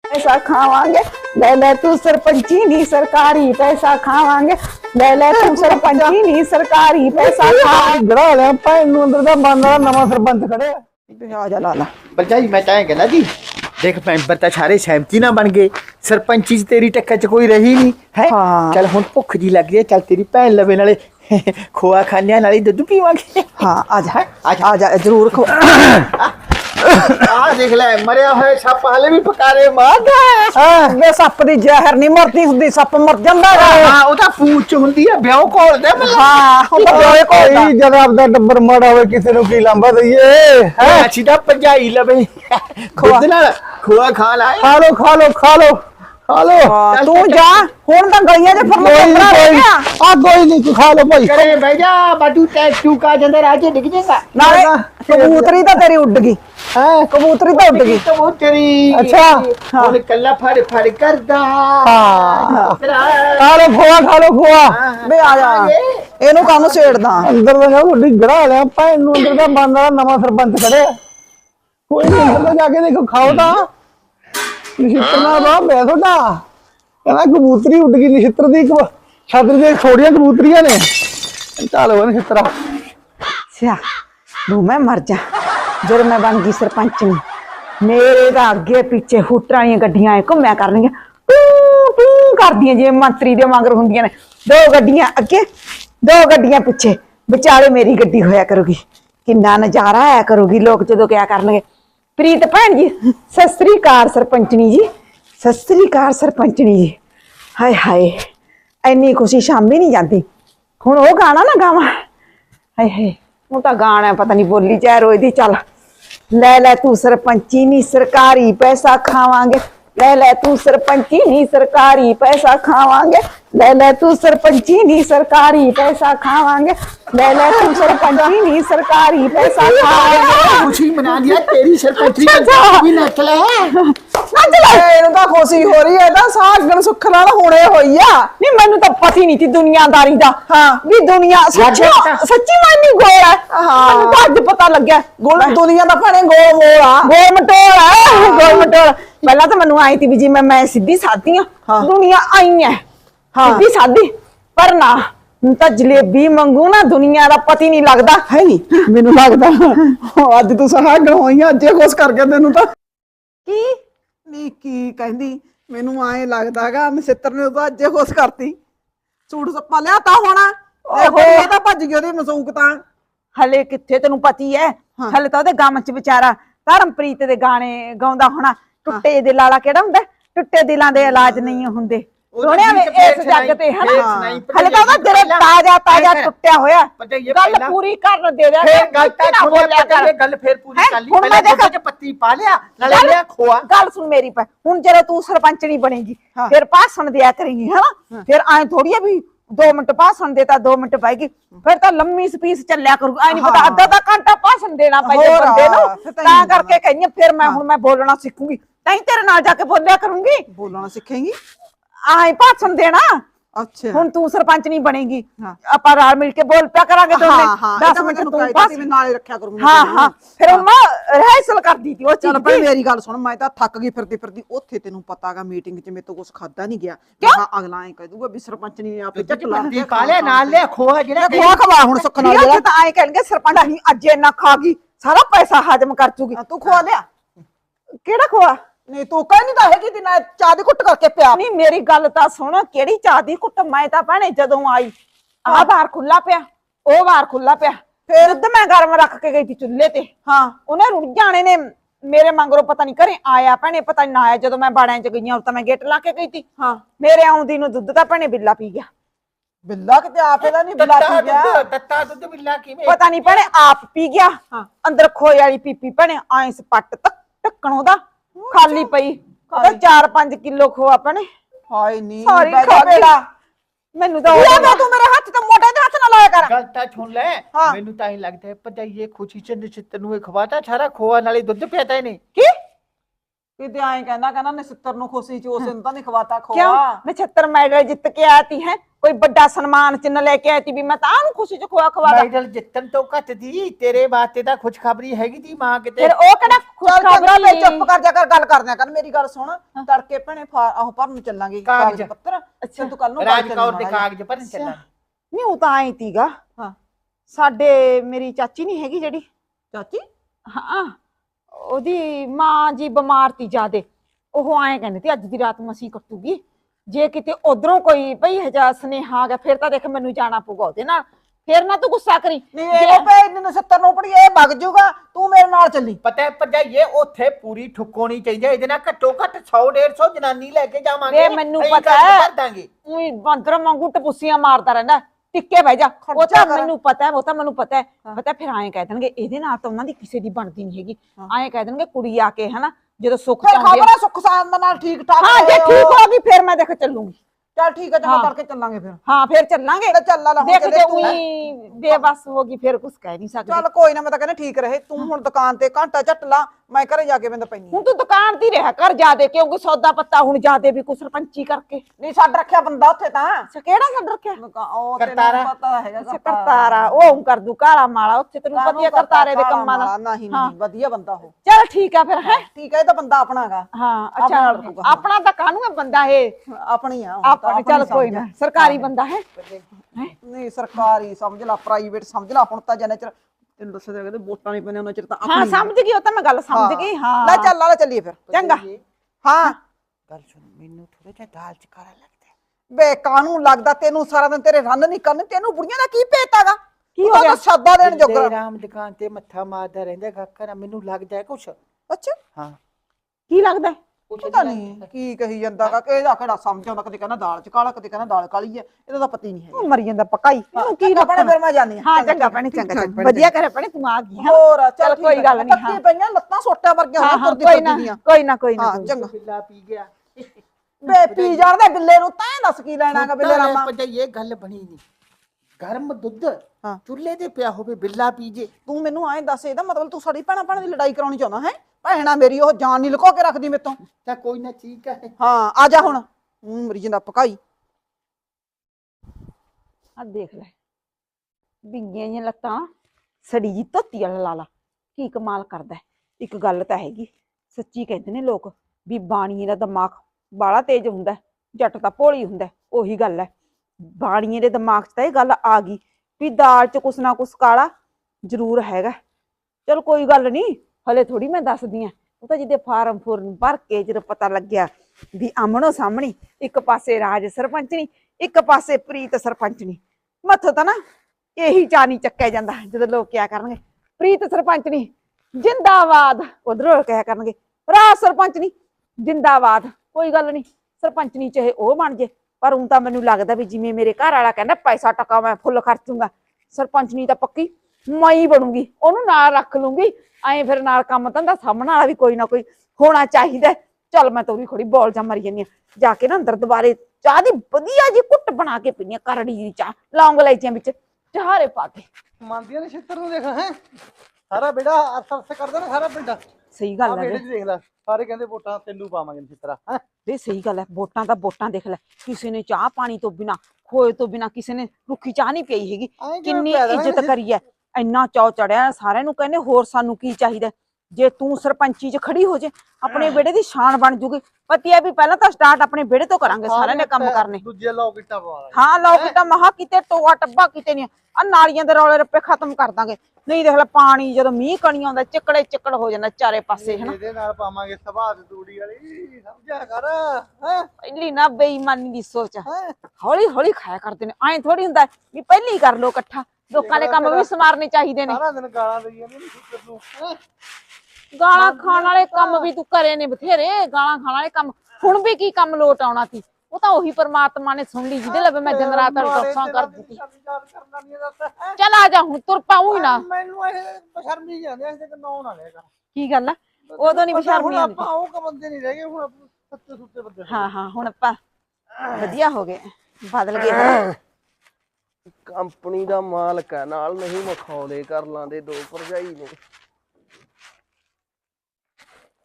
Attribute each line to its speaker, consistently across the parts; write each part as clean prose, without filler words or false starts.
Speaker 1: पैसा खावांगे ले ले तू सरपंची नी सरकारी पैसा खावांगे ले ले तू सरपंची नी सरकारी पैसा खा
Speaker 2: ਗੜਾ ਲਿਆ ਭੈਣ ਨੂੰ ਅੰਦਰ ਦਾ ਬੰਦਾ ਨਵਾਂ ਸਰਪੰਚ ਖੜਿਆ
Speaker 1: आ जा लाला
Speaker 3: भरजाई मैं चाहे कहना जी देख मैंबर तो सारे सहमति ना बन गए सरपंची च तेरी टक्कर च कोई रही नहीं है
Speaker 1: हाँ।
Speaker 3: चल हुण भुख जी लग रही है चल तेरी भैन लवे नाले खोआ खाने नाले दुध पीवांगे
Speaker 1: हाँ आजा
Speaker 3: आजा।
Speaker 1: आजा जरूर खो
Speaker 3: आ देख ले मरिया होए सप हाले भी पकारे मार
Speaker 1: वे सप दी जहर नहीं मरती हुंदी सप मर जांदा
Speaker 3: हां ओ तां पूछ च हुंदी है ब्याह कोल दे
Speaker 1: हाँ हुंदा ब्याह कोल दा।
Speaker 2: ਕੋਈ ਜਦ ਆਪਦਾ ਟੱਬਰ ਮਾੜਾ ਹੋਵੇ ਕਿਸੇ ਨੂੰ ਕੀ ਲਾਂਬਾ ਦਈਏ
Speaker 3: है अच्छी दा भरजाई लवे दुध नाल खोआ खा लाए
Speaker 2: ਖਾ ਲੋ ਖਾ ਲੋ ਖਾ ਲੋ ਖਾ ਲੋ
Speaker 1: हाँ, तू जा हुण तां गलियां च फिरना
Speaker 2: ਕੋਈ
Speaker 1: चंगा रह
Speaker 2: ਨਹੀਂ
Speaker 1: गया
Speaker 2: ਆ ਕੋਈ ਨਹੀਂ ਤੂੰ ਖਾ ਲੋ ਭਾਈ
Speaker 3: करे भाई जा बाटू टैटू का अंदर आके दिख जाएगा
Speaker 1: नाले कबूतरी तां तेरी उड़ गई
Speaker 2: ਹੈ
Speaker 1: कबूतरी तां उड़ गई
Speaker 3: तो वो तेरी
Speaker 2: अच्छा।
Speaker 3: और कल्ला फड़ फड़ करदा
Speaker 2: ਹਾਂ
Speaker 3: तेरा
Speaker 2: ਖਾ ਲੋ ਖਾ ਲੋ ਖੋਆ
Speaker 1: ਵੇ ਆ ਜਾ ਇਹਨੂੰ ਕਾਹਨੂੰ ਛੇੜਦਾ
Speaker 2: ਅੰਦਰ ਦਾ ਜਾ ਵੱਡੀ ਗੜਾ ਲਿਆ ਭੈਣ ਨੂੰ ਅੰਦਰ ਦਾ ਬੰਦਾ ਨਵਾਂ ਸਰਪੰਚ ਖੜਿਆ ਕੋਈ ਨਹੀਂ ਅੰਦਰ ਜਾ ਕੇ ਦੇਖੋ ਖਾਓ ਤਾਂ ਨਿਸ਼ਿਤਰ ਦਾ ਮੈਂ ਤੁਹਾਡਾ ਕਹਿੰਦਾ ਕਬੂਤਰੀ ਉੱਡ ਗਈ ਨਿਸ਼ਿਤਰ ਦੀ ਛਤਰ ਦੇ ਛੋੜੀਆਂ ਕਬੂਤਰੀਆਂ ਨੇ ਚੱਲ ਉਹ ਨਿਸ਼ਿਤਰਾ
Speaker 1: ਸਿਆ ਨੂੰ ਮੈਂ ਮਰ ਜਾ ਜਦੋਂ ਮੈਂ ਬਣ ਗਈ ਸਰਪੰਚਣੀ ਮੇਰੇ ਦਾ ਅੱਗੇ ਪਿੱਛੇ ਹੂਟਰਾਂ ਦੀਆਂ ਗੱਡੀਆਂ ਐ ਘੁੰਮਿਆ ਕਰਨਗੀਆਂ ਟੂ ਟੂ ਕਰਦੀਆਂ ਜਿਵੇਂ ਮੰਤਰੀ ਦੇ ਮਗਰ ਹੁੰਦੀਆਂ ਨੇ ਦੋ ਗੱਡੀਆਂ ਅੱਗੇ ਦੋ ਗੱਡੀਆਂ ਪਿੱਛੇ ਵਿਚਾਲੇ ਮੇਰੀ ਗੱਡੀ ਹੋਇਆ ਕਰੂਗੀ ਕਿੰਨਾ ਨਜ਼ਾਰਾ ਆਇਆ ਕਰੂਗੀ ਲੋਕ ਜਦੋਂ ਕਿਆ ਕਰਨਗੇ ਪ੍ਰੀਤ ਭੈਣ ਜੀ ਸਤਿ ਸ੍ਰੀ ਅਕਾਲ ਸਰਪੰਚਣੀ ਜੀ ਸਤਿ ਸ੍ਰੀ ਅਕਾਲ ਸਰਪੰਚਣੀ ਜੀ ਹਾਏ ਹਾਏ ਇੰਨੀ ਖੁਸ਼ੀ ਸ਼ਾਮੀ ਨਹੀਂ ਜਾਂਦੀ ਹੁਣ ਉਹ ਗਾਣਾ ਨਾ ਗਾਵਾਂ ਹਾਏ ਹਾਏ ਉਹ ਤਾਂ ਗਾਣਾ ਪਤਾ ਨਹੀਂ ਬੋਲੀ ਚਾਹ ਰੋਜ਼ ਦੀ ਚੱਲ ਲੈ ਲੈ ਤੂੰ ਸਰਪੰਚੀ ਨੀ ਸਰਕਾਰੀ ਪੈਸਾ ਖਾਵਾਂਗੇ ਲੈ ਲੈ ਤੂੰ ਸਰਪੰਚੀ ਨੀ ਸਰਕਾਰੀ ਪੈਸਾ ਖਾਵਾਂਗੇ ਲੈ ਲੈ ਤੂੰ ਸਰਪੰਚੀ ਨੀ ਸਰਕਾਰੀ ਪੈਸਾ ਖਾਵਾਂਗੇ ਲੈ ਲੈ ਤੂੰ ਸਰਪੰਚੀ ਨੀ ਸਰਕਾਰੀ ਪੈਸਾ ਖਾਵਾਂਗੇ
Speaker 3: खुशी मना लिया तेरी सरपंची का भी नकल है
Speaker 1: ਇਹਨੂੰ ਤਾਂ ਖੁਸ਼ੀ ਹੋ ਰਹੀ ਹੈ ਤਾਂ ਸਾਗਣ ਸੁੱਖ ਨਾਲ ਹੋਣੇ ਹੋਈ ਆ ਨਹੀਂ ਮੈਨੂੰ ਤਾਂ ਪਤਾ ਹੀ ਨਹੀਂ ਸੀ ਦੁਨੀਆਦਾਰੀ ਦਾ ਹਾਂ ਵੀ ਦੁਨੀਆ ਸੱਚੀ ਮਾਨੀ ਗੋਲ ਹੈ ਮੈਨੂੰ ਤਾਂ ਅੱਜ ਪਤਾ ਲੱਗਿਆ ਗੋਲ ਦੁਨੀਆ ਦਾ ਭਾਣੇ ਗੋਲ ਮੋਲ ਆ ਗੋਲ ਮਟੋਲ ਆ ਗੋਲ ਮਟੋਲ ਪਹਿਲਾਂ ਤਾਂ ਮੈਨੂੰ ਆਈ ਸੀ ਵੀ ਜੀ ਮੈਂ ਸਿੱਧੀ ਸਾਦੀ ਆ ਦੁਨੀਆ ਆਈ ਹੈ ਸਿੱਧੀ ਸਾਦੀ ਪਰ ਨਾ ਹੁਣ ਤਾਂ ਜਲੇਬੀ ਮੰਗੂ ਨਾ ਦੁਨੀਆ ਦਾ ਪਤੀ ਨਹੀਂ ਲੱਗਦਾ ਹੈ ਨਹੀਂ
Speaker 2: ਮੈਨੂੰ ਲੱਗਦਾ ਅੱਜ ਤੂੰ ਸਹਾਗਣ ਹੋਈਆਂ ਅੱਜ ਕੁਛ ਕਰ ਗਿਆ ਤੈਨੂੰ ਤਾਂ
Speaker 1: ਕੀ
Speaker 4: ਨੀ ਕੀ ਕਹਿੰਦੀ ਮੈਨੂੰ ਐਂ ਲੱਗਦਾਗਾ ਨਛਿੱਤਰ ਨੇ ਤਾਂ ਅੱਜੇ ਖੁਸ਼ ਕਰਤੀ ਸੂਟ ਸੱਪਾ ਲਿਆ ਤਾਂ ਹੋਣਾ ਦੇਖੋ ਇਹ ਤਾਂ ਭੱਜ ਗਈ ਉਹਦੀ ਮਸੂਕ ਤਾਂ
Speaker 1: ਹਲੇ ਕਿੱਥੇ ਤੈਨੂੰ ਪਤੀ ਐ ਹਲੇ ਤਾਂ ਉਹਦੇ ਗਮ ਚ ਵਿਚਾਰਾ ਧਰਮਪ੍ਰੀਤ ਦੇ ਗਾਣੇ ਗਾਉਂਦਾ ਹੋਣਾ ਟੁੱਟੇ ਦਿਲ ਵਾਲਾ ਕਿਹੜਾ ਹੁੰਦਾ ਟੁੱਟੇ ਦਿਲਾਂ ਦੇ ਇਲਾਜ ਨਹੀਂ ਹੁੰਦੇ ਸੋਹਣਿਆ ਵੇ ਇਸ ਜੱਗ ਤੇ ਹਨਾ ਹਲੇ ਤਾਂ ਉਹਦਾ ਦਿਲ ਤਾਜ਼ਾ ਟੁੱਟਿਆ ਹੋਇਆ ਗੱਲ ਪੂਰੀ ਕਰਨ ਦੇ ਰਿਹਾ
Speaker 3: फिर गल तक बोलिया कर गल फिर पूरी कर ली पहले दुध च पत्ती पा लिया नाले लिया खोआ
Speaker 1: ਗੱਲ ਸੁਣ ਮੇਰੀ ਪੈ ਹੁਣ ਜਦੋਂ ਤੂੰ ਸਰਪੰਚਣੀ ਬਣੇਗੀ ਫਿਰ ਭਾਸ਼ਣ ਦਿਆ ਕਰੇਂਗੀ ਹਨਾ ਫਿਰ ਐ ਥੋੜੀ ਆ ਵੀ 2 ਮਿੰਟ ਭਾਸ਼ਣ ਦੇਤਾ 2 ਮਿੰਟ ਪਾਏਗੀ ਫਿਰ ਤਾਂ ਲੰਮੀ ਸਪੀਚ ਚੱਲਿਆ ਕਰੂ ਐ ਨਹੀਂ ਪਤਾ ਅੱਧਾ ਘੰਟਾ ਭਾਸ਼ਣ ਦੇਣਾ ਪਏ ਬੰਦੇ ਨੂੰ ਤਾਂ ਕਰਕੇ ਕਹਿੰਦੀ ਫਿਰ ਮੈਂ ਬੋਲਣਾ ਸਿੱਖੂਗੀ ਤਾਂ ਤੇਰੇ ਨਾਲ ਜਾ ਕੇ ਬੋਲਿਆ ਕਰੂੰਗੀ
Speaker 4: ਬੋਲਣਾ ਸਿੱਖੇਂਗੀ
Speaker 1: ਆਏ ਭਾਸ਼ਣ ਦੇਣਾ
Speaker 4: ਅੱਛਾ
Speaker 1: ਹੁਣ ਤੂੰ ਸਰਪੰਚਣੀ ਬਣੇਗੀ ਆਪਾਂ ਰਲ ਮਿਲ ਕੇ ਬੋਲ ਪਿਆ ਕਰਾਂਗੇ ਦੋਨੇ 10 ਮਿੰਟ ਤੂੰ
Speaker 4: ਮੈਂ ਨਾਲੇ ਰੱਖਿਆ ਕਰੂੰਗੀ
Speaker 1: ਹਾਂ ਫਿਰ ਮੈਂ ਰਿਹਰਸਲ ਕਰਦੀ ਸੀ ਉਹ
Speaker 4: ਚੱਲ
Speaker 1: ਚੀਜ਼
Speaker 4: ਭਾਈ
Speaker 1: ਦੀ
Speaker 4: ਮੇਰੀ ਗੱਲ ਸੁਣ ਮੈਂ ਤਾਂ ਥੱਕ ਗਈ ਫਿਰਦੀ ਉੱਥੇ ਤੈਨੂੰ ਪਤਾਗਾ ਮੀਟਿੰਗ 'ਚ ਮੇਰੇ ਤੋਂ ਕੁਝ ਖਾਦਾ ਨਹੀਂ ਗਿਆ ਮੈਂ ਅਗਲਾ ਐ ਕਹਿ ਦੂਗਾ ਵੀ ਸਰਪੰਚ ਨੇ ਆਪੇ
Speaker 3: दुध च पत्ती पा लिया नाल लिया खोआ जेड़ा
Speaker 4: ਖਵਾ ਖਵਾ ਹੁਣ ਸੁੱਖ ਨਾਲ
Speaker 1: ਜਿਹੜਾ ਤਾਂ ਐ ਕਹਿਣਗੇ ਸਰਪੰਚਣੀ ਅੱਜ ਇੰਨਾ ਖਾ ਗਈ ਸਾਰਾ ਪੈਸਾ ਹਜਮ ਕਰ ਚੁਗੀ
Speaker 4: ਤੂੰ ਖਵਾ ਲਿਆ
Speaker 1: ਕਿਹੜਾ ਖੋਆ
Speaker 4: ਨਹੀਂ ਤੂੰ ਕਹਿੰਦੀ ਤਾਂ ਹੈਗੀ ਤੇ ਨਾ ਚਾਹ ਦੀ ਕੁੱਟ ਕਰਕੇ ਪਿਆ
Speaker 1: ਨਹੀਂ ਮੇਰੀ ਗੱਲ ਤਾਂ ਸੁਣ ਕਿਹੜੀ ਚਾਹ ਦੀ ਕੁੱਟ ਮੈਂ ਤਾਂ ਭੈਣੇ ਜਦੋਂ ਆਈ ਆਹ ਬਾਹਰ ਖੁੱਲਾ ਪਿਆ ਉਹ ਬਾਹਰ ਖੁੱਲਾ ਪਿਆ ਫਿਰ ਦੁੱਧ ਮੈਂ ਗਰਮ ਰੱਖ ਕੇ ਗਈ ਸੀ ਚੁੱਲ੍ਹੇ ਤੇ
Speaker 4: ਹਾਂ
Speaker 1: ਉਹਨੇ ਰੁੜ ਜਾਣੇ ਨੇ ਮੇਰੇ ਮੰਗਰੋਂ ਪਤਾ ਨਹੀਂ ਘਰੇ ਆਇਆ ਭੈਣੇ ਪਤਾ ਨਹੀਂ ਨਾ ਆਇਆ ਜਦੋਂ ਮੈਂ ਬਾੜਿਆਂ ਚ ਗਈਆਂ ਤਾਂ ਮੈਂ ਗੇਟ ਲਾ ਕੇ ਗਈ ਸੀ
Speaker 4: ਹਾਂ
Speaker 1: ਮੇਰੇ ਆਉਂਦੀ ਨੂੰ ਦੁੱਧ ਤਾਂ ਭੈਣੇ ਬਿੱਲਾ ਪੀ ਗਿਆ
Speaker 4: ਬਿੱਲਾ ਕਿਤੇ ਆਪੇ ਦਾ ਨਹੀਂ ਬਿੱਲਾ ਪੀ ਗਿਆ
Speaker 3: दत्ता दुध बिल्ला की में
Speaker 1: ਪਤਾ ਨਹੀਂ ਭੈਣੇ ਆਪ ਪੀ ਗਿਆ ਅੰਦਰ ਖੋਏ ਵਾਲੀ ਪੀਪੀ ਭੈਣੇ ਐਂ ਸਪੱਟ ਢੱਕਣ ਉਹਦਾ ਖਾਲੀ ਪਈ ਉਹਦਾ 4-5 ਕਿਲੋ ਖੋਆ ਭੈਣੇ
Speaker 4: ਹਾਏ ਨਹੀਂ
Speaker 1: ਸਾਰੀ ਖਬੇੜਾ ਮੈਨੂੰ ਤਾਂ
Speaker 4: ਤੂੰ ਮੇਰੇ ਹੱਥ ਤੇ ਮੋਢੇ ਤੇ ਹੱਥ ਨਾ ਲਾਇਆ ਕਰ
Speaker 3: गल ता सुन ले मेनू ता ही लगदा है भरजाई खुशी च नछित्तर नु खवाता सारा खोआ नाले दुध पियाता ने
Speaker 1: ਕੀ
Speaker 4: ਕਿਤੇ ਐਂ ਕਹਿੰਦਾ ਨਛਿੱਤਰ ਨੂੰ ਖੁਸ਼ੀ ਚ ਉਸ ਨੂੰ ਤਾਂ ਨਹੀਂ ਖਵਾਤਾ
Speaker 1: ਕਿਉਂ
Speaker 4: ਖੋਆ
Speaker 1: ਨਛੱਤਰ ਮੈਡਲ ਜਿੱਤ ਕੇ ਆਤੀ ਹੈ ਕੋਈ ਵੱਡਾ ਸਨਮਾਨ ਚਿੰਨ ਲੈ ਕੇ ਆਈ ਤੀ ਵੀ ਮੈਂ ਤਾਂ ਉਹਨੂੰ ਖੁਸ਼ੀ ਚ ਖਵਾ ਖਵਾ ਦਾਂ।
Speaker 3: ਮੈਡਲ ਜਿੱਤਣ ਤੋਂ ਘੱਟ ਦੀ ਤੇਰੇ ਵਾਸਤੇ ਤਾਂ ਖੁਸ਼ਖਬਰੀ ਹੈਗੀ ਦੀ ਮਾਂ ਕਿਤੇ।
Speaker 1: ਫਿਰ ਉਹ ਕਿਹੜਾ
Speaker 4: ਚੱਲ ਚੰਗਾ
Speaker 1: ਖੁਸ਼ਖਬਰੀ
Speaker 4: ਬੇ ਚੁੱਪ ਕਰ ਜਾ ਕਰ ਗੱਲ ਕਰਦੇ ਕਰ ਮੇਰੀ ਗੱਲ ਸੁਣ ਤੜਕੇ ਭੈਣੇ ਆਹੋ ਭਰਨ ਨੂੰ ਚੱਲਾਂਗੇ
Speaker 3: ਕਾਗਜ਼
Speaker 4: ਪੱਤਰ ਅੱਛਾ ਤੂੰ ਕੱਲ ਨੂੰ
Speaker 3: ਰਾਜ ਕੌਰ ਦੇ ਕਾਗਜ਼ ਭਰਨ ਚੱਲਾਂਗੇ।
Speaker 1: ਨਹੀਂ ਉਹ ਤਾਂ ਆਈ ਤੀਗਾ
Speaker 4: ਹਾਂ
Speaker 1: ਸਾਡੇ ਮੇਰੀ ਚਾਚੀ ਨਹੀਂ ਹੈਗੀ ਜਿਹੜੀ
Speaker 4: ਚਾਚੀ
Speaker 1: ਹਾਂ ਉਹਦੀ ਮਾਂ ਜੀ ਬਿਮਾਰ ਤੀ ਜਾਦੇ ਉਹ ਆਏ ਕਹਿੰਦੇ ਤੇ ਅੱਜ ਦੀ ਰਾਤ ਮਸੀਂ ਕੱਟੂਗੀ ਜੇ ਕਿਤੇ ਉਧਰੋਂ ਕੋਈ ਭਈ ਹਜਾ ਸੁਨੇਹਾ ਆ ਗਿਆ ਫਿਰ ਤਾਂ ਦੇਖ ਮੈਨੂੰ ਜਾਣਾ ਪਊਗਾ ਉਹਦੇ ਨਾਲ ਫਿਰ ਨਾ ਤੂੰ ਗੁੱਸਾ ਕਰੀ
Speaker 4: ਨਹੀਂ ਇਹ ਪੇ 69 ਨੂੰ ਪੜੀ ਇਹ ਵਗ ਜੂਗਾ ਤੂੰ ਮੇਰੇ ਨਾਲ ਚੱਲੀ
Speaker 3: ਪਤਾ ਹੈ ਭਰਜਾਈਏ ਉੱਥੇ ਪੂਰੀ ਠੁੱਕੋਣੀ ਚਾਹੀਦੀ ਹੈ, ਇਹਦੇ ਨਾਲ ਘੱਟੋ ਘੱਟ 100-150 ਜਨਾਨੀ ਲੈ ਕੇ ਜਾਵਾਂਗੇ।
Speaker 1: ਵੇ ਮੈਨੂੰ
Speaker 3: ਅਸੀਂ
Speaker 1: ਪਤਾ
Speaker 3: ਕਾਗਜ਼
Speaker 1: ਹੈ।
Speaker 3: ਭਰ ਦਾਂਗੇ।
Speaker 1: ਉਹੀ ਬਾਂਦਰ ਵਾਂਗੂ ਟਪੂਸੀਆਂ ਮਾਰਦਾ ਰਹਿੰਦਾ ਟਿੱਕੇ ਬਹਿ ਜਾ ਉਹ
Speaker 4: ਖਰਚਾ
Speaker 1: ਤਾਂ
Speaker 4: ਕਰ।
Speaker 1: ਮੈਨੂੰ ਪਤਾ ਹੈ ਉਹ ਤਾਂ ਮੈਨੂੰ ਪਤਾ ਹੈ ਪਤਾ ਫਿਰ ਐਂ ਕਹਿ ਦੇਣਗੇ ਇਹਦੇ ਨਾਲ ਤਾਂ ਉਹਨਾਂ ਦੀ ਕਿਸੇ ਦੀ ਬਣਦੀ ਨਹੀਂ ਹੈਗੀ ਐਂ ਕਹਿ ਦੇਣਗੇ ਕੁੜੀ ਆ ਕੇ ਹਨਾ ਜਦੋਂ ਸੁੱਖ
Speaker 4: ਫਿਰ
Speaker 1: ਚਾਹੁੰਦੀ
Speaker 4: ਖਬਰ ਹੈ ਸੁੱਖ ਸਾਂਦ ਨਾਲ ਠੀਕ ਠਾਕ
Speaker 1: ਹਾਂ ਜੇ
Speaker 4: ਰਹੇ ਹੋ।
Speaker 1: ਠੀਕ ਹੋ ਗਈ ਫਿਰ ਮੈਂ ਦੇਖ ਚੱਲੂਗੀ
Speaker 4: ਚੱਲ ਠੀਕ ਹੈ ਚੰਗਾ
Speaker 1: ਹਾਂ।
Speaker 4: ਤੜਕੇ ਚੱਲਾਂਗੇ ਫਿਰ
Speaker 1: ਹਾਂ ਫਿਰ ਚੱਲਾਂਗੇ
Speaker 4: ਤੇ ਚੱਲ ਲਾ ਹੁਣ
Speaker 1: ਦੇਖ
Speaker 4: ਕਿਤੇ
Speaker 1: ਜੇ
Speaker 4: ਤੂੰ
Speaker 1: ਉਹੀ ਬੇਬਸ ਹੋ ਗਈ ਫਿਰ ਕੁਝ ਕਹਿ ਨਹੀਂ ਸਕਦੇ
Speaker 4: ਚੱਲ ਕੋਈ ਨਾ ਮੈਂ ਤਾਂ ਕਹਿੰਦਾ ਠੀਕ ਰਹੇ ਤੂੰ ਹੁਣ ਦੁਕਾਨ ਤੇ ਘੰਟਾ ਝੱਟ ਲਾ ਮੈਂ ਘਰੇ ਜਾ ਕੇ ਬਿੰਦ ਪੈਣੀ
Speaker 1: ਹੁਣ ਤੂੰ ਦੁਕਾਨ ਤੇ ਹੀ ਰਿਹਾ ਕਰ ਜਾਦੇ ਕਿਉਂਕਿ ਸੌਦਾ ਪੱਤਾ ਹੁਣ ਜਾਦੇ ਵੀ ਕੁਛ ਸਰਪੰਚੀ ਕਰਕੇ
Speaker 4: ਨਹੀਂ ਛੱਡ ਰੱਖਿਆ ਬੰਦਾ ਉੱਥੇ ਤਾਂ
Speaker 1: ਅੱਛਾ ਕਿਹੜਾ ਛੱਡ ਰੱਖਿਆ
Speaker 4: ਉਹ
Speaker 3: ਕਰਤਾਰਾ।
Speaker 4: ਤੈਨੂੰ ਪਤਾ ਹੈਗਾ
Speaker 1: ਅੱਛਾ ਕਰਤਾਰਾ ਉਹ ਕਰ ਦੂ ਕਾਲਾ ਮਾਲਾ ਉੱਥੇ ਤੈਨੂੰ ਪਤਾ ਹੀ ਆ ਕਰਤਾਰੇ ਦੇ ਕੰਮਾਂ ਦਾ
Speaker 4: ਨਹੀਂ ਨਹੀਂ ਵਧੀਆ ਬੰਦਾ ਉਹ
Speaker 1: ਚਲ ਠੀਕ ਆ ਫਿਰ ਹੈ
Speaker 4: ਠੀਕ ਹੈ ਇਹ ਤਾਂ ਬੰਦਾ ਆਪਣਾ ਹੈਗਾ
Speaker 1: ਹਾਂ
Speaker 4: ਆਪਣੇ
Speaker 1: ਅੱਛਾ
Speaker 4: ਨਾਲ ਰਹੂਗਾ।
Speaker 1: ਆਪਣਾ ਤਾਂ ਕਾਹਨੂੰ ਹੈ ਬੰਦਾ ਇਹ
Speaker 4: ਆਪਣੀ ਆ ਹੁਣ ਤਾਂ,
Speaker 1: ਆਪਣੀ ਚੱਲ
Speaker 4: ਆਪਣੀ
Speaker 1: ਕੋਈ
Speaker 4: ਸਮਝ।
Speaker 1: ਨਾ ਸਰਕਾਰੀ ਬੰਦਾ ਹੈ
Speaker 4: ਨਹੀਂ ਸਰਕਾਰੀ ਸਮਝ ਲਾ ਪ੍ਰਾਈਵੇਟ ਸਮਝ ਲਾ ਹੁਣ ਤਾਂ ਜਨੇ ਚਿਰ ਤੈਨੂੰ ਦੱਸਿਆ ਤਾਂ ਕਹਿੰਦੇ ਵੋਟਾਂ ਨਹੀਂ ਪੈਣੇ ਉਹਨਾਂ ਚਿਰ ਤਾਂ
Speaker 1: ਹਾਂ ਸਮਝ ਗਈ ਉਹ ਤਾਂ ਮੈਂ ਗੱਲ ਸਮਝ ਗਈ ਹਾਂ
Speaker 4: ਲੈ ਚੱਲ ਚੱਲੀਏ ਫਿਰ
Speaker 1: ਚੰਗਾ
Speaker 4: ਹਾਂ
Speaker 3: ਗੱਲ ਸੁਣ ਮੈਨੂੰ ਥੋੜਾ ਜਿਹਾ ਦਾਲ ਚ ਕਾਲਾ ਲੱਗਦਾ ਹੈ।
Speaker 4: ਬੇ ਕਾਹਨੂੰ ਲੱਗਦਾ ਤੈਨੂੰ ਸਾਰਾ ਦਿਨ ਤੇਰੇ ਰੰਨ ਨਹੀਂ ਕਰਨੇ ਤੈਨੂੰ ਬੁੜੀਆਂ ਦਾ ਕੀ ਭੇਤ ਹੈਗਾ
Speaker 1: ਕੀ ਹੋ ਗਿਆ?
Speaker 4: ਸਾਦਾ ਦੇਣ ਜੋਗਰਾ
Speaker 3: ਬਿੱਲੇ ਰਾਮ ਦੁਕਾਨ ਤੇ ਮੱਥਾ ਮਾਰਦਾ ਰਹਿੰਦਾ ਗਾਕਰ ਮੈਨੂੰ ਲੱਗਦਾ ਹੈ ਕੁਛ।
Speaker 4: ਅੱਛਾ
Speaker 3: ਹਾਂ
Speaker 1: ਕੀ ਲੱਗਦਾ ਹੈ?
Speaker 3: ਕੁਛ
Speaker 4: ਪਤਾ ਨਹੀਂ ਕੀ ਕਹੀ ਜਾਂਦਾਗਾ ਕਿ ਇਹਦਾ ਕਿਹੜਾ ਸਮਝ ਆਉਂਦਾ ਕਦੇ ਕਹਿੰਦਾ ਦਾਲ ਚ ਕਾਲਾ ਕਦੇ ਕਹਿੰਦਾ ਦਾਲ ਕਾਲੀ ਹੈ ਇਹਦਾ ਤਾਂ ਪਤਾ ਹੀ ਨਹੀਂ ਹੈ
Speaker 1: ਉਹ ਮਰੀ ਜਾਂਦਾ ਪਕਾਈ ਇਹਨੂੰ ਕੀ
Speaker 4: ਚੰਗਾ ਭੈਣੇ,
Speaker 1: ਰੱਖਣਾ
Speaker 4: ਫਿਰ ਮੈਂ ਜਾਂਦੀ
Speaker 1: ਹਾਂ ਚੰਗਾ ਭੈਣੇ ਚੰਗਾ ਚੰਗਾ ਵਧੀਆ ਕਰੇ ਭੈਣੇ ਤੂੰ ਆ ਗਈ ਹਾਂ
Speaker 4: ਹੋਰ
Speaker 1: ਚੱਲ
Speaker 4: ਚੱਲ
Speaker 1: ਕੋਈ ਗੱਲ ਨਹੀਂ
Speaker 4: ਹਾਂ ਪਈਆਂ ਲੱਤਾਂ ਸੋਟਿਆਂ ਵਰਗੀਆਂ
Speaker 1: ਹਾਂ
Speaker 4: ਹੋਈਆਂ
Speaker 1: ਹਾਂ
Speaker 4: ਤੁਰਦੀ
Speaker 1: ਕੋਈ ਨਾ
Speaker 4: ਫਿਰਦੀ ਦੀਆਂ
Speaker 1: ਕੋਈ ਨਾ ਕੋਈ ਨਾ
Speaker 4: ਹਾਂ ਚੰਗਾ
Speaker 3: ਬਿੱਲਾ ਪੀ ਗਿਆ।
Speaker 4: ਬੇ ਪੀ ਜਾਣਦੇ ਬਿੱਲੇ ਨੂੰ ਤਾਂ ਦੱਸ ਕੀ ਲੈਣਾਗਾ ਬਿੱਲੇ ਰਾਮਾ
Speaker 3: ਭਰਜਾਈਏ ਗੱਲ ਬਣੀ ਨਹੀਂ। ਗਰਮ ਦੁੱਧ
Speaker 4: ਹਾਂ।
Speaker 3: ਚੁੱਲ੍ਹੇ ਤੇ ਪਿਆ ਹੋਵੇ ਬਿੱਲਾ ਪੀ ਜੇ।
Speaker 4: ਤੂੰ ਮੈਨੂੰ ਐਂ ਦੱਸ ਇਹਦਾ ਮਤਲਬ ਤੂੰ ਸਾਡੀ ਭੈਣਾਂ ਦੀ ਲੜਾਈ ਕਰਾਉਣੀ ਚਾਹੁੰਦਾ ਹੈ ਭੈਣਾ ਮੇਰੀ ਉਹ ਜਾਨ ਨਹੀਂ ਲੁਕੋ ਕੇ ਰੱਖਦੀ ਮੇਰੇ ਤੋਂ
Speaker 3: ਤਾਂ ਕੋਈ ਨਾ ਠੀਕ ਹੈ।
Speaker 4: ਹਾਂ ਆ ਜਾ ਹੁਣ ਮਰੀ ਜਾਂਦਾ ਪਕਾਈ
Speaker 1: ਆ ਦੇਖ ਲੈ ਬਿੰਗੀਆਂ ਜਿਹੀਆਂ ਲੱਤਾਂ ਸੜੀ ਜੀ ਧੋਤੀ ਵਾਲਾ ਲਾਲਾ ਕੀ ਕਮਾਲ ਕਰਦਾ ਹੈ। ਇੱਕ ਗੱਲ ਤਾਂ ਹੈਗੀ ਸੱਚੀ ਕਹਿੰਦੇ ਨੇ ਲੋਕ ਵੀ ਬਾਣੀਏ ਦਾ ਦਿਮਾਗ ਬਾਲਾ ਤੇਜ਼ ਹੁੰਦਾ ਹੈ, ਜੱਟ ਤਾਂ ਭੋਲੀ ਹੁੰਦਾ ਹੈ। ਉਹੀ ਗੱਲ ਹੈ ਬਾਣੀਏ ਦੇ ਦਿਮਾਗ 'ਚ ਤਾਂ ਇਹ ਗੱਲ ਆ ਗਈ ਵੀ ਦਾਲ 'ਚ ਕੁਛ ਨਾ ਕੁਛ ਕਾਲਾ ਜ਼ਰੂਰ ਹੈਗਾ। ਚਲ ਕੋਈ ਗੱਲ ਨਹੀਂ ਹਲੇ ਥੋੜੀ ਮੈਂ ਦੱਸਦੀ ਆ ਉਹ ਤਾਂ ਜਿਹਦੇ ਫਾਰਮ ਫੁਰਨ ਭਰ ਕੇ ਜਦੋਂ ਪਤਾ ਲੱਗਿਆ ਵੀ ਆਮਣੋ ਸਾਹਮਣੀ ਇੱਕ ਪਾਸੇ ਰਾਜ ਸਰਪੰਚਣੀ ਇੱਕ ਪਾਸੇ ਪ੍ਰੀਤ ਸਰਪੰਚਣੀ ਮੱਥੋਂ ਤਾਂ ਨਾ ਇਹੀ ਚਾਨੀ ਚੱਕਿਆ ਜਾਂਦਾ ਜਦੋਂ ਲੋਕ ਕਿਆ ਕਰਨਗੇ ਪ੍ਰੀਤ ਸਰਪੰਚਣੀ ਜਿੰਦਾਬਾਦ ਉਧਰੋਂ ਕਿਆ ਕਰਨਗੇ ਰਾਜ ਸਰਪੰਚਣੀ ਜਿੰਦਾਬਾਦ। ਕੋਈ ਗੱਲ ਨਹੀਂ ਸਰਪੰਚਣੀ ਚਾਹੇ ਉਹ ਬਣ ਜੇ ਪਰ ਹੁਣ ਤਾਂ ਮੈਨੂੰ ਲੱਗਦਾ ਵੀ ਜਿਵੇਂ ਮੇਰੇ ਘਰ ਵਾਲਾ ਕਹਿੰਦਾ ਪੈਸਾ ਟਕਾ ਮੈਂ ਫੁੱਲ ਖਰਚੂੰਗਾ ਸਰਪੰਚਣੀ ਤਾਂ ਪੱਕੀ ਮੈਂ ਹੀ ਬਣੂੰਗੀ ਉਹਨੂੰ ਨਾਲ ਰੱਖ ਲੂੰਗੀ ਐਂ ਫਿਰ ਨਾਲ ਕੰਮ ਧੰਦਾ ਸਾਹਮਣ ਵਾਲਾ ਵੀ ਕੋਈ ਨਾ ਕੋਈ ਹੋਣਾ ਚਾਹੀਦਾ। ਚੱਲ ਮੈਂ ਤਾਂ ਉਹਦੀ ਖੜੀ ਬੋਲ ਜਾ ਮਰੀ ਜਾਂਦੀ ਆ ਜਾ ਕੇ ਨਾ ਅੰਦਰ ਦੁਬਾਰੇ ਚਾਹ ਦੀ ਵਧੀਆ ਜੀ ਕੁੱਟ ਬਣਾ ਕੇ ਪੀਣੀ ਆ ਕਰੜੀ ਦੀ ਚਾਹ ਲੌਂਗ ਇਲਾਇਚੀਆਂ ਵਿੱਚ ਚਾਰੇ ਪਾ ਕੇ।
Speaker 2: ਮੰਨਦੀਆਂ ਨੇ ਛਿੱਤਰ ਨੂੰ ਦੇਖ ਹੈ ਸਾਰਾ ਬੇੜਾ ਅਰਸ ਕਰਦਾ ਨਾ ਸਾਰਾ ਪਿੰਡ
Speaker 1: ਸਹੀ ਗੱਲ ਹੈ
Speaker 2: ਬੇੜੇ 'ਚ ਦੇਖ ਲੈ ਸਾਰੇ ਕਹਿੰਦੇ ਵੋਟਾਂ ਤੈਨੂੰ ਪਾਵਾਂਗੇ ਛਿੱਤਰਾ ਹੈ
Speaker 1: ਵੇ ਸਹੀ ਗੱਲ ਹੈ ਵੋਟਾਂ ਤਾਂ ਵੋਟਾਂ ਦੇਖ ਲੈ ਕਿਸੇ ਨੇ ਚਾਹ ਪਾਣੀ ਤੋਂ ਬਿਨਾ ਖੋਏ ਤੋਂ ਬਿਨਾ ਕਿਸੇ ਨੇ ਰੁੱਖੀ ਚਾਹ ਨਹੀਂ ਪਈ ਹੈਗੀ
Speaker 2: ਕਿਵੇਂ
Speaker 1: ਕਿੰਨੀ
Speaker 2: ਪਿਆ ਦੇਣਾ
Speaker 1: ਇੱਜ਼ਤ ਕਰੀ ਹੈ ਇੰਨਾ ਚਾਅ ਚੜਿਆ ਸਾਰਿਆਂ ਨੂੰ ਕਹਿੰਦੇ ਹੋਰ ਸਾਨੂੰ ਕੀ ਚਾਹੀਦਾ ਜੇ ਤੂੰ ਸਰਪੰਚੀ 'ਚ ਖੜੀ ਹੋ ਜੇ ਆਪਣੇ ਵਿਹੜੇ ਦੀ ਸ਼ਾਨ ਬਣ ਜੂਗੀ ਪਤੀ ਹੈ ਵੀ ਪਹਿਲਾਂ ਤਾਂ ਸਟਾਰਟ ਆਪਣੇ ਵਿਹੜੇ ਤੋਂ ਕਰਾਂਗੇ ਸਾਰਿਆਂ ਨੇ ਕੰਮ ਕਰਨੇ
Speaker 2: ਦੂਜੇ ਲੋਕ ਇੱਟਾਂ ਪਵਾ
Speaker 1: ਹਾਂ ਲੋਕ ਤਾਂ ਮਹਾ ਕਿਤੇ ਟੋਆ ਟੱਬਾ ਕਿਤੇ ਨਹੀਂ ਆ ਨਾਲੀਆਂ ਦੇ ਰੌਲੇ ਰੱਪੇ ਖਤਮ ਕਰ ਦਾਂਗੇ ਨਹੀਂ ਦੇਖ ਲੈ ਪਾਣੀ ਜਦੋਂ ਮੀਂਹ ਕਣੀ ਆਉਂਦਾ ਚਿੱਕੜੇ ਚਿੱਕੜ ਹੋ ਜਾਂਦਾ ਚਾਰੇ ਪਾਸੇ ਹਨਾ
Speaker 2: ਇਹਦੇ ਨਾਲ ਪਾਵਾਂਗੇ ਸੁਭਾਅ ਦੀ ਤੂੜੀ ਵਾਲੀ ਸਮਝਿਆ ਕਰ ਹੈ
Speaker 1: ਪਹਿਲੀ ਨਾ ਬੇਈਮਾਨੀ ਦੀ ਸੋਚ ਹੌਲੀ ਹੌਲੀ ਖਾਇਆ ਕਰਦੇ ਨੇ ਐਂ ਥੋੜੀ ਹੁੰਦਾ ਵੀ ਪਹਿਲੀ ਕਰ ਲੋ ਇਕੱਠਾ ਲੋਕਾਂ ਦੇ ਕੰਮ ਵੀ ਸਮਾਰਨੇ ਚਾਹੀਦੇ ਨੇ
Speaker 2: ਸਾਰਾ ਦਿਨ ਗਾਲਾਂ ਦੇਈ ਜਾਂਦੇ ਨੇ ਛਿੱਤਰ ਨੂੰ
Speaker 1: ਗਾਲਾਂ ਖਾਣ ਵਾਲੇ ਕੰਮ ਵੀ ਤੂੰ ਕਰੇ ਨੇ ਬਥੇਰੇ ਗਾਲਾਂ ਖਾਣ ਵਾਲੇ ਕੰਮ ਹੁਣ ਵੀ ਕੀ ਕੰਮ ਲੋਟ ਆਉਣਾ ਸੀ ਉਹ ਤਾਂ ਉਹੀ ਪਰਮਾਤਮਾ ਨੇ ਸੁਣ ਲਈ ਜਿਹਦੇ ਲਵੇ ਮੈਂ ਦਿਨ ਰਾਤ ਅਰਦਾਸਾਂ ਕਰਦੀ ਸੀ
Speaker 2: ਕਰਨਾ ਨਹੀਂ ਦੱਸ
Speaker 1: ਚੱਲ ਆ ਜਾ ਹੁਣ ਤੁਰ ਪਾਉਂ ਹੀ ਨਾ
Speaker 2: ਮੈਨੂੰ ਇਹ ਬਸ਼ਰਮੀ ਜਾਂਦੇ ਐ ਕਿ ਨੌ ਨਾ ਲਿਆ ਕਰ
Speaker 1: ਕੀ ਗੱਲ ਆ ਉਦੋਂ ਨਹੀਂ ਬਸ਼ਰਮੀ ਆਉਂਦੀ
Speaker 2: ਆਪਾਂ ਉਹ ਬੰਦੇ ਨਹੀਂ ਰਹਿ ਗਏ ਹੁਣ ਸੱਤੇ ਸੁੱਤੇ ਬੰਦੇ
Speaker 1: ਹਾਂ ਹਾਂ ਹੁਣ ਆਪਾਂ ਵਧੀਆ ਹੋ ਗਏ ਬਦਲ ਗਏ
Speaker 5: ਕੰਪਨੀ ਦਾ ਮਾਲਕ ਹੈ ਨਾਲ ਨਹੀਂ ਮਖੌਲੇ ਕਰ ਲਾਂਦੇ ਦੋ ਭਰਜਾਈ ਨੇ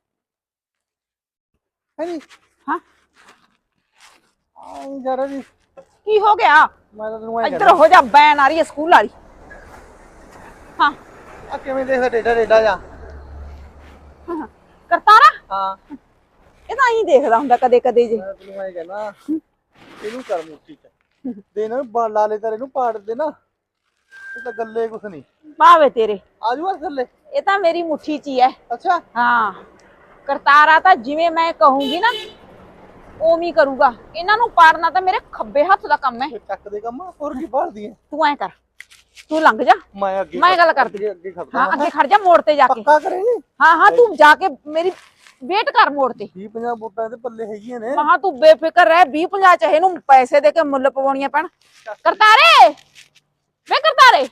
Speaker 2: ਹੈ ਨੀ
Speaker 1: ਹਾਂ
Speaker 2: ਆਉਂ ਜਰਾ ਜੀ
Speaker 1: ਕੀ ਹੋ ਗਿਆ?
Speaker 2: ਮੈਂ ਤਾਂ ਤੈਨੂੰ ਐ
Speaker 1: ਇੱਧਰ ਹੋ ਜਾ, ਬੈਨ ਆ ਰਹੀ ਹੈ ਸਕੂਲ ਵਾਲੀ। ਹਾਂ
Speaker 2: ਆ ਕਿਵੇਂ ਦੇਖਦਾ ਡੇਡਾ ਡੇਡਾ ਜਾ।
Speaker 1: ਕਰਤਾਰਾ,
Speaker 2: ਹਾਂ
Speaker 1: ਇਹ ਤਾਂ ਹੀ ਦੇਖਦਾ ਹੁੰਦਾ ਕਦੇ ਕਦੇ ਜੇ।
Speaker 2: ਮੈਂ ਤੈਨੂੰ ਐ ਕਹਿਣਾ ਇਹਨੂੰ ਕਰ ਮੁੱਠੀ ਚ ਦੇ ਨਾ ਲਾਲੇ ਤਾਰੇ ਨੂੰ ਪਾੜ ਦੇ ਨਾ, ਇਹ ਤਾਂ ਗੱਲੇ ਕੁਛ ਨਹੀਂ।
Speaker 1: ਭਾਵੇਂ ਤੇਰੇ,
Speaker 2: ਆਜੂ ਆ ਥੱਲੇ।
Speaker 1: ਇਹ ਤਾਂ ਮੇਰੀ ਮੁੱਠੀ 'ਚ ਹੀ ਹੈ।
Speaker 2: ਅੱਛਾ
Speaker 1: ਹਾਂ, ਕਰਤਾਰਾ ਤਾਂ ਜਿਵੇਂ ਮੈਂ ਕਹੂੰਗੀ ਨਾ ਉਵੇਂ ਹੀ ਕਰੂਗਾ। ਇਹਨਾਂ ਨੂੰ ਪਾੜਨਾ ਤਾਂ ਮੇਰੇ ਖੱਬੇ ਹੱਥ ਦਾ ਕੰਮ ਹੈ।
Speaker 2: ਇਹ ਚੱਕ ਦੇ ਕੰਮ ਹੋਰ ਕੀ ਭਾਲਦੀ ਐ।
Speaker 1: ਤੂੰ ਐ ਕਰ, ਤੂੰ ਲੰਘ ਜਾ,
Speaker 2: ਮੈਂ ਅੱਗੇ
Speaker 1: ਮੈਂ ਗੱਲ ਕਰਦੀ।
Speaker 2: ਅੱਗੇ ਖੜਦਾ
Speaker 1: ਹਾਂ ਅੱਗੇ ਖੜ ਜਾ ਮੋੜ ਤੇ ਜਾ ਕੇ।
Speaker 2: ਪੱਕਾ ਕਰੇਂਗੇ।
Speaker 1: ਹਾਂ ਹਾਂ, ਤੂੰ ਜਾ ਕੇ ਮੇਰੀ ਵੇਟ ਕਰ ਮੋੜ ਤੇ।
Speaker 2: 20-50 ਵੋਟਾਂ ਦੇ ਪੱਲੇ ਹੈਗੀਆਂ ਨੇ।
Speaker 1: ਮਹਾ ਤੂੰ ਬੇਫਿਕਰ ਰਹਿ, 20-50 ਚਾਹੇ ਨੂੰ ਪੈਸੇ ਦੇ ਕੇ ਮੁੱਲ ਪਵਾਉਣੀਆਂ ਪੈਣ। ਕਰਤਾਰੇ, ਵੇ ਕਰਤਾਰੇ,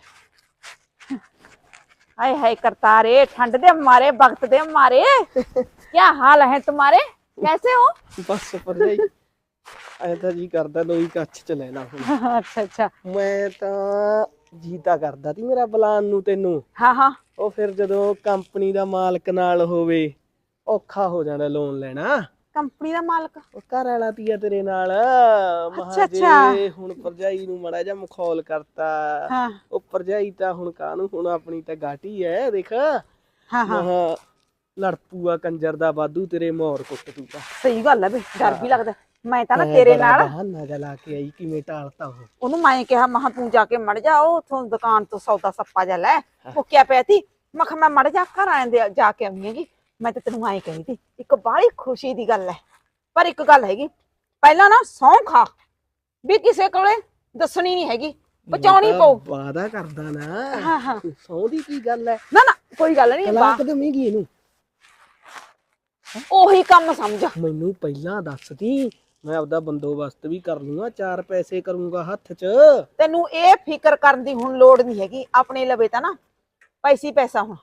Speaker 1: हाय हाय करतारे, ठंड दे मारे, वक्त दे मारे, क्या हाल है तुम्हारे, कैसे हो?
Speaker 5: ਬਸ ਭਰਜਾਈ ਐ ਤਾਂ ਜੀ ਕਰਦਾ ਲੋਈ ਕੱਛ ਚ ਲੈ ਲਾ ਹੁਣ।
Speaker 1: अच्छा अच्छा,
Speaker 5: ਮੈਂ ਤਾਂ ਜੀਤਾ ਕਰਦਾ ਤੀ ਮੇਰਾ ਬਲਾਨ ਨੂੰ ਤੈਨੂੰ।
Speaker 1: हाँ हाँ,
Speaker 5: ਉਹ ਫਿਰ ਜਦੋਂ ਕੰਪਨੀ ਦਾ ਮਾਲਕ ਨਾਲ ਹੋਵੇ ਔਖਾ ਹੋ ਜਾਂਦਾ ਲੋਨ ਲੈਣਾ।
Speaker 1: कंपनी दा मालक।
Speaker 5: ਉਹ ਘਰ ਵਾਲਾ ਤੀਆ ਤੇਰੇ ਨਾਲ
Speaker 1: ਅੱਛਾ, ਅੱਛਾ।
Speaker 5: ਜੇ ਹੁਣ ਭਰਜਾਈ ਨੂੰ ਮੜਾ ਜਾ ਮਖੌਲ ਕਰਤਾ।
Speaker 1: हाँ
Speaker 5: ਉਹ ਭਰਜਾਈ ਤਾਂ ਹੁਣ ਕਾਹਨੂੰ, ਹੁਣ ਆਪਣੀ ਤਾਂ ਗਾਟੀ ਐ ਦੇਖ।
Speaker 1: हाँ हाँ,
Speaker 5: ਮਹਾ ਲੜਪੂਆ ਕੰਜਰ ਦਾ ਵਾਧੂ ਤੇਰੇ ਮੋਰ ਕੁੱਟ ਦੂਗਾ।
Speaker 1: सही गल है बे, डर भी लगदा। मैं ਤਾਂ ਨਾ ਤੇਰੇ ਨਾਲ
Speaker 5: ਬਹਾਨਾ ਜਿਹਾ ਲਾ ਕੇ ਆਈ, ਕਿਵੇਂ ਟਾਲਤਾ ਉਹ।
Speaker 1: ਉਹਨੂੰ ਮੈਂ ਕਿਹਾ ਮਹਾ ਤੂੰ ਜਾ ਕੇ ਮੜ ਜਾ, ਉਹ ਉਥੋਂ ਦੁਕਾਨ ਤੋਂ ਸੌਦਾ ਸੱਪਾ ਜਾ ਲੈ। ਮੁੱਕਿਆ ਪਿਆ ਤੀ। ਮੈਂ ਕਿਹਾ ਮੈਂ ਮੜ ਜਾ ਘਰ ਆਂਦੇ ਜਾ ਕੇ ਆਉਂਦੀ ਹੈਗੀ। ਮੈਂ ਤਾਂ ਤੈਨੂੰ ਐਂ ਕਹਿੰਦੀ ਤੀ, ਇੱਕ ਬਾਹਲੀ ਖੁਸ਼ੀ ਦੀ ਗੱਲ ਹੈ। ਪਰ ਇੱਕ ਗੱਲ ਹੈਗੀ, ਪਹਿਲਾਂ ਨਾ ਸਹੁੰ ਖਾ ਵੀ ਕਿਸੇ ਕੋਲੇ ਦੱਸਣੀ ਨਹੀਂ ਹੈਗੀ, ਬਚਾਉਣੀ ਪਊ।
Speaker 5: ਵਾਦਾ ਕਰਦਾ ਨਾ।
Speaker 1: ਹਾਂ ਹਾਂ,
Speaker 5: ਸੌ ਦੀ ਕੀ ਗੱਲ ਐ?
Speaker 1: ਨਾ ਨਾ ਕੋਈ ਗੱਲ ਨਹੀਂ,
Speaker 5: ਤਲਾਕ ਦੇਵੇਂਗੀ ਇਹਨੂੰ?
Speaker 1: ਉਹੀ ਕੰਮ ਸਮਝ।
Speaker 5: ਮੈਨੂੰ ਪਹਿਲਾਂ ਦੱਸਦੀ, ਮੈਂ ਆਪਦਾ ਬੰਦੋਬਸਤ ਵੀ ਕਰ ਲੂੰਗਾ, 4 ਪੈਸੇ ਕਰੂੰਗਾ ਹੱਥ 'ਚ।
Speaker 1: ਤੈਨੂੰ ਇਹ ਫਿਕਰ ਕਰਨ ਦੀ ਹੁਣ ਲੋੜ ਨਹੀਂ ਹੈਗੀ। ਆਪਣੇ ਲਵੇ ਤਾਂ ਨਾ ਪੈਸੀ ਪੈਸਾ ਹੁਣ।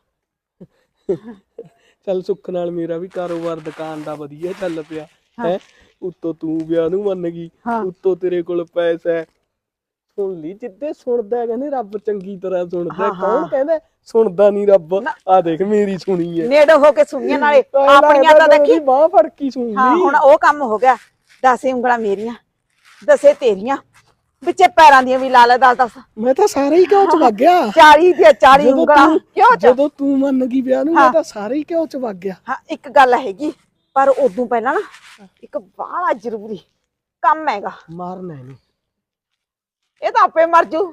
Speaker 5: ਚੱਲ ਸੁੱਖ ਨਾਲ ਮੇਰਾ ਵੀ ਕਾਰੋਬਾਰ ਦੁਕਾਨ ਦਾ ਵਧੀਆ ਚੱਲ ਪਿਆ ਹੈ। ਉੱਤੋਂ ਤੂੰ ਵਿਆਹ ਨੂੰ ਮੰਨ ਗਈ, ਉੱਤੋਂ ਤੇਰੇ ਕੋਲ ਪੈਸਾ ਹੈ। ਸੁਣ ਲਈ, ਜਿੱਦੇ ਸੁਣਦਾ ਕਹਿੰਦੇ ਰੱਬ ਚੰਗੀ ਤਰ੍ਹਾਂ ਸੁਣਦਾ। ਕੌਣ ਕਹਿੰਦਾ ਸੁਣਦਾ ਨਹੀਂ ਰੱਬ? ਆ ਦੇਖ ਮੇਰੀ ਸੁਣੀ ਹੈ,
Speaker 1: ਨੇੜੇ ਹੋ ਕੇ ਸੁਣੀਆਂ ਨਾਲੇ ਆਪਣੀਆਂ ਤਾਂ ਦੇਖੀ।
Speaker 5: ਬਾਹ ਫੜ ਕੇ ਸੁਣ
Speaker 1: ਹਾਂ
Speaker 5: ਲਈ।
Speaker 1: ਹੁਣ ਉਹ ਕੰਮ ਹੋ ਗਿਆ। 10 ਉਂਗਲਾਂ ਮੇਰੀਆਂ, 10 ਤੇਰੀਆਂ, ਵਿੱਚੇ ਪੈਰਾਂ ਦੀਆਂ ਵੀ ਲਾ ਲੈ 10-10।
Speaker 5: ਮੈਂ ਤਾਂ ਸਾਰੇ ਹੀ ਘਿਓ 'ਚ ਵਗ ਗਿਆ।
Speaker 1: 40 ਦੀਆਂ 40 ਉਂਗਲਾਂ ਕਿਉਂ ਚ?
Speaker 5: ਜਦੋਂ ਤੂੰ ਮੰਨ ਗਈ ਵਿਆਹ ਨੂੰ, ਮੈਂ ਤਾਂ ਸਾਰੇ ਹੀ ਘਿਓ 'ਚ ਵਗ ਗਿਆ।
Speaker 1: ਹਾਂ ਇੱਕ ਗੱਲ ਹੈਗੀ, ਪਰ ਉਦੋਂ ਪਹਿਲਾਂ ਨਾ ਇੱਕ ਬਾਹਲਾ ਜ਼ਰੂਰੀ ਕੰਮ ਹੈਗਾ।
Speaker 5: ਮਾਰਨਾ ਇਹਨੂੰ।
Speaker 1: ਇਹ ਤਾਂ ਆਪੇ ਮਰ ਜੂ,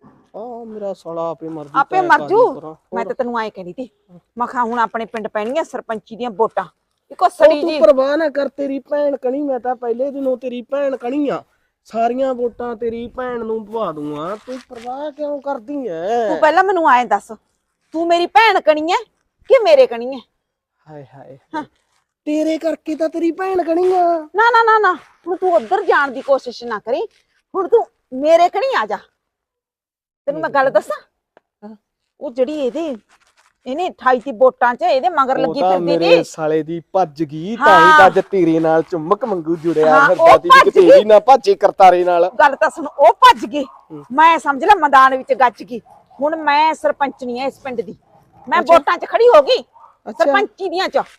Speaker 5: ਆ ਮੇਰਾ ਸਾਲਾ ਆਪੇ ਮਰ ਜੂ।
Speaker 1: ਆਪੇ ਮਰ ਜੂ। ਮੈਂ ਤਾਂ ਤੈਨੂੰ ਐਂ ਕਹਿੰਦੀ ਤੀ, ਮੈਂ ਕਿਹਾ ਹੁਣ ਆਪਣੇ ਪਿੰਡ ਪੈਣੀਆਂ ਸਰਪੰਚੀ ਦੀਆਂ ਵੋਟਾਂ। ਇੱਕੋ ਸੜੀ
Speaker 5: ਤੂੰ
Speaker 1: ਜੀ।
Speaker 5: ਪਰਵਾਹ ਨਾ ਕਰ, ਤੇਰੀ ਭੈਣ ਕਣੀ। ਮੈਂ ਤਾਂ ਪਹਿਲੇ ਦਿਨੋਂ ਤੇਰੀ ਭੈਣ ਕਣੀ ਆ। ਸਾਰੀਆਂ ਵੋਟਾਂ ਤੇਰੀ ਭੈਣ ਨੂੰ ਪਵਾ ਦੂੰਗਾ। ਤੂੰ ਪਰਵਾਹ ਕਿਉਂ ਕਰਦੀ ਐ?
Speaker 1: ਤੂੰ ਪਹਿਲਾਂ ਮੈਨੂੰ ਐਂ ਦੱਸ, ਤੂੰ ਮੇਰੀ ਭੈਣ ਕਣੀ ਐ ਕਿ ਮੇਰੇ ਕਣੀ ਐ?
Speaker 5: ਹਾਏ ਹਾਏ, ਤੇਰੇ ਕਰਕੇ ਤਾਂ ਤੇਰੀ ਭੈਣ ਕਣੀ ਆ।
Speaker 1: ਨਾ ਨਾ ਨਾ ਨਾ, ਹੁਣ ਤੂੰ ਉੱਧਰ ਜਾਣ ਦੀ ਕੋਸ਼ਿਸ਼ ਨਾ ਕਰੀ। ਹੁਣ ਤੂੰ ਮੇਰੇ ਕਣੀ ਆ ਜਾ। ਤੈਨੂੰ ਮੈਂ ਗੱਲ ਦੱਸਾਂ, ਉਹ ਜਿਹੜੀ ਇਹਨੇ 28 ਦੀ ਵੋਟਾਂ 'ਚ ਇਹਦੇ ਮਗਰ ਲੱਗੀ ਫਿਰਦੀ
Speaker 5: ਮੇਰੇ
Speaker 1: ਸੀ।
Speaker 5: ਸਾਲੇ ਦੀ ਭੱਜ ਗਈ, ਤਾਂ ਹੀ ਤਾਂ ਅੱਜ ਤੇਰੇ ਨਾਲ ਚੁੰਮਕ ਮੰਗੂ ਜੁੜਿਆ
Speaker 1: ਹਾਂ,
Speaker 5: ਫਿਰਦਾ
Speaker 1: ਉਹ
Speaker 5: ਸੀ
Speaker 1: ਭੱਜ
Speaker 5: ਕਿ ਤੇਰੀ ਨਾ ਭਾਜੇ ਕਰਤਾਰੇ ਨਾਲ।
Speaker 1: ਗੱਲ ਤਾਂ ਸੁਣ, ਉਹ ਭੱਜ ਗਈ। ਮੈਂ ਸਮਝ ਲੈ ਮੈਦਾਨ ਵਿੱਚ ਗੱਜ ਗਈ। ਹੁਣ ਮੈਂ ਸਰਪੰਚਣੀ ਐ ਇਸ ਪਿੰਡ ਦੀ। ਮੈਂ ਵੋਟਾਂ 'ਚ ਖੜੀ ਹੋ ਗਈ, ਸਰਪੰਚੀ ਦੀਆਂ 'ਚ।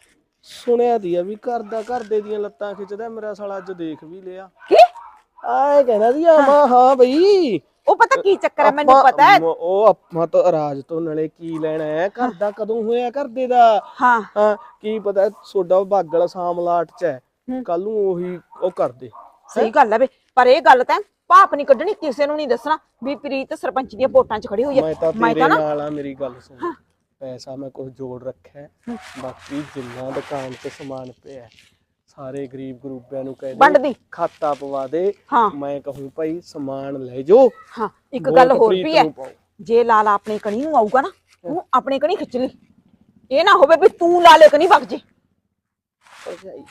Speaker 5: ਸੁਣਿਆ ਦੀ ਆ ਵੀ ਘਰ ਦੇ ਦੀਆਂ ਲੱਤਾਂ ਖਿੱਚਦਾ ਮੇਰਾ ਸਾਲਾ। ਅੱਜ ਦੇਖ ਵੀ ਲਿਆ।
Speaker 1: ਕੀ
Speaker 5: ਆਏ ਕਹਿੰਦਾ ਦੀ ਆਮਾ। ਹਾਂ ਬਈ,
Speaker 1: ਉਹ ਪਤਾ ਕੀ ਚੱਕਰ ਹੈ, ਮੈਨੂੰ ਪਤਾ ਹੈ।
Speaker 5: ਉਹ ਆਪਾਂ ਤਾਂ ਰਾਜ ਤੋਂ ਨਾਲੇ ਕੀ ਲੈਣਾ ਹੈ? ਘਰ ਦਾ ਕਦੋਂ ਹੋਇਆ ਘਰਦੇ ਦਾ?
Speaker 1: ਹਾਂ
Speaker 5: ਹਾਂ ਕੀ ਪਤਾ ਸੋਡਾ ਬਾਗਲ ਸਾਮਲਾਟ ਚ ਹੈ, ਕੱਲ ਨੂੰ ਉਹੀ ਉਹ ਕਰਦੇ।
Speaker 1: ਸਹੀ ਗੱਲ ਹੈ ਵੇ, ਪਰ ਇਹ ਗੱਲ ਤਾਂ ਭਾਪ ਨਹੀਂ ਕੱਢਣੀ, ਕਿਸੇ ਨੂੰ ਨਹੀਂ ਦੱਸਣਾ ਵੀ ਪ੍ਰੀਤ ਸਰਪੰਚ ਦੀਆਂ ਵੋਟਾਂ 'ਚ ਖੜੀ ਹੋਈ ਹੈ।
Speaker 5: ਮੈਂ ਤਾਂ ਨਾਲ ਆ, ਮੇਰੀ ਗੱਲ ਸੁਣ। ਪੈਸਾ ਮੈਂ ਕੁਝ ਜੋੜ ਰੱਖਿਆ, ਬਾਕੀ ਜਿੰਨਾ ਦੁਕਾਨ ਤੇ ਸਮਾਨ ਪਿਆ ਸਾਰੇ ਗਰੀਬ ਗਰੂਬਿਆਂ ਨੂੰ ਕਹਿ
Speaker 1: ਵੰਡ
Speaker 5: ਦੇ,
Speaker 1: ਦੀ।
Speaker 5: ਖਾਤਾ ਪਵਾ ਦੇ।
Speaker 1: ਹਾਂ
Speaker 5: ਮੈਂ ਕਹੂੰ ਭਾਈ ਸਮਾਨ ਲੈ ਜਾਓ।
Speaker 1: ਹਾਂ ਇੱਕ ਗੱਲ ਹੋਰ
Speaker 5: ਪ੍ਰੀਤ
Speaker 1: ਵੀ ਹੈ,
Speaker 5: ਨੂੰ ਪਾਓ।
Speaker 1: ਜੇ ਲਾਲਾ ਆਪਣੇ ਕਣੀ ਨੂੰ ਆਊਗਾ ਨਾ, ਤੂੰ ਆਪਣੇ ਕਣੀ ਖਿੱਚ ਲਈ। ਇਹ ਨਾ ਹੋਵੇ ਵੀ ਤੂੰ ਲਾਲੇ ਕਣੀ ਵਗ ਜੇ।
Speaker 5: ਭਰਜਾਈ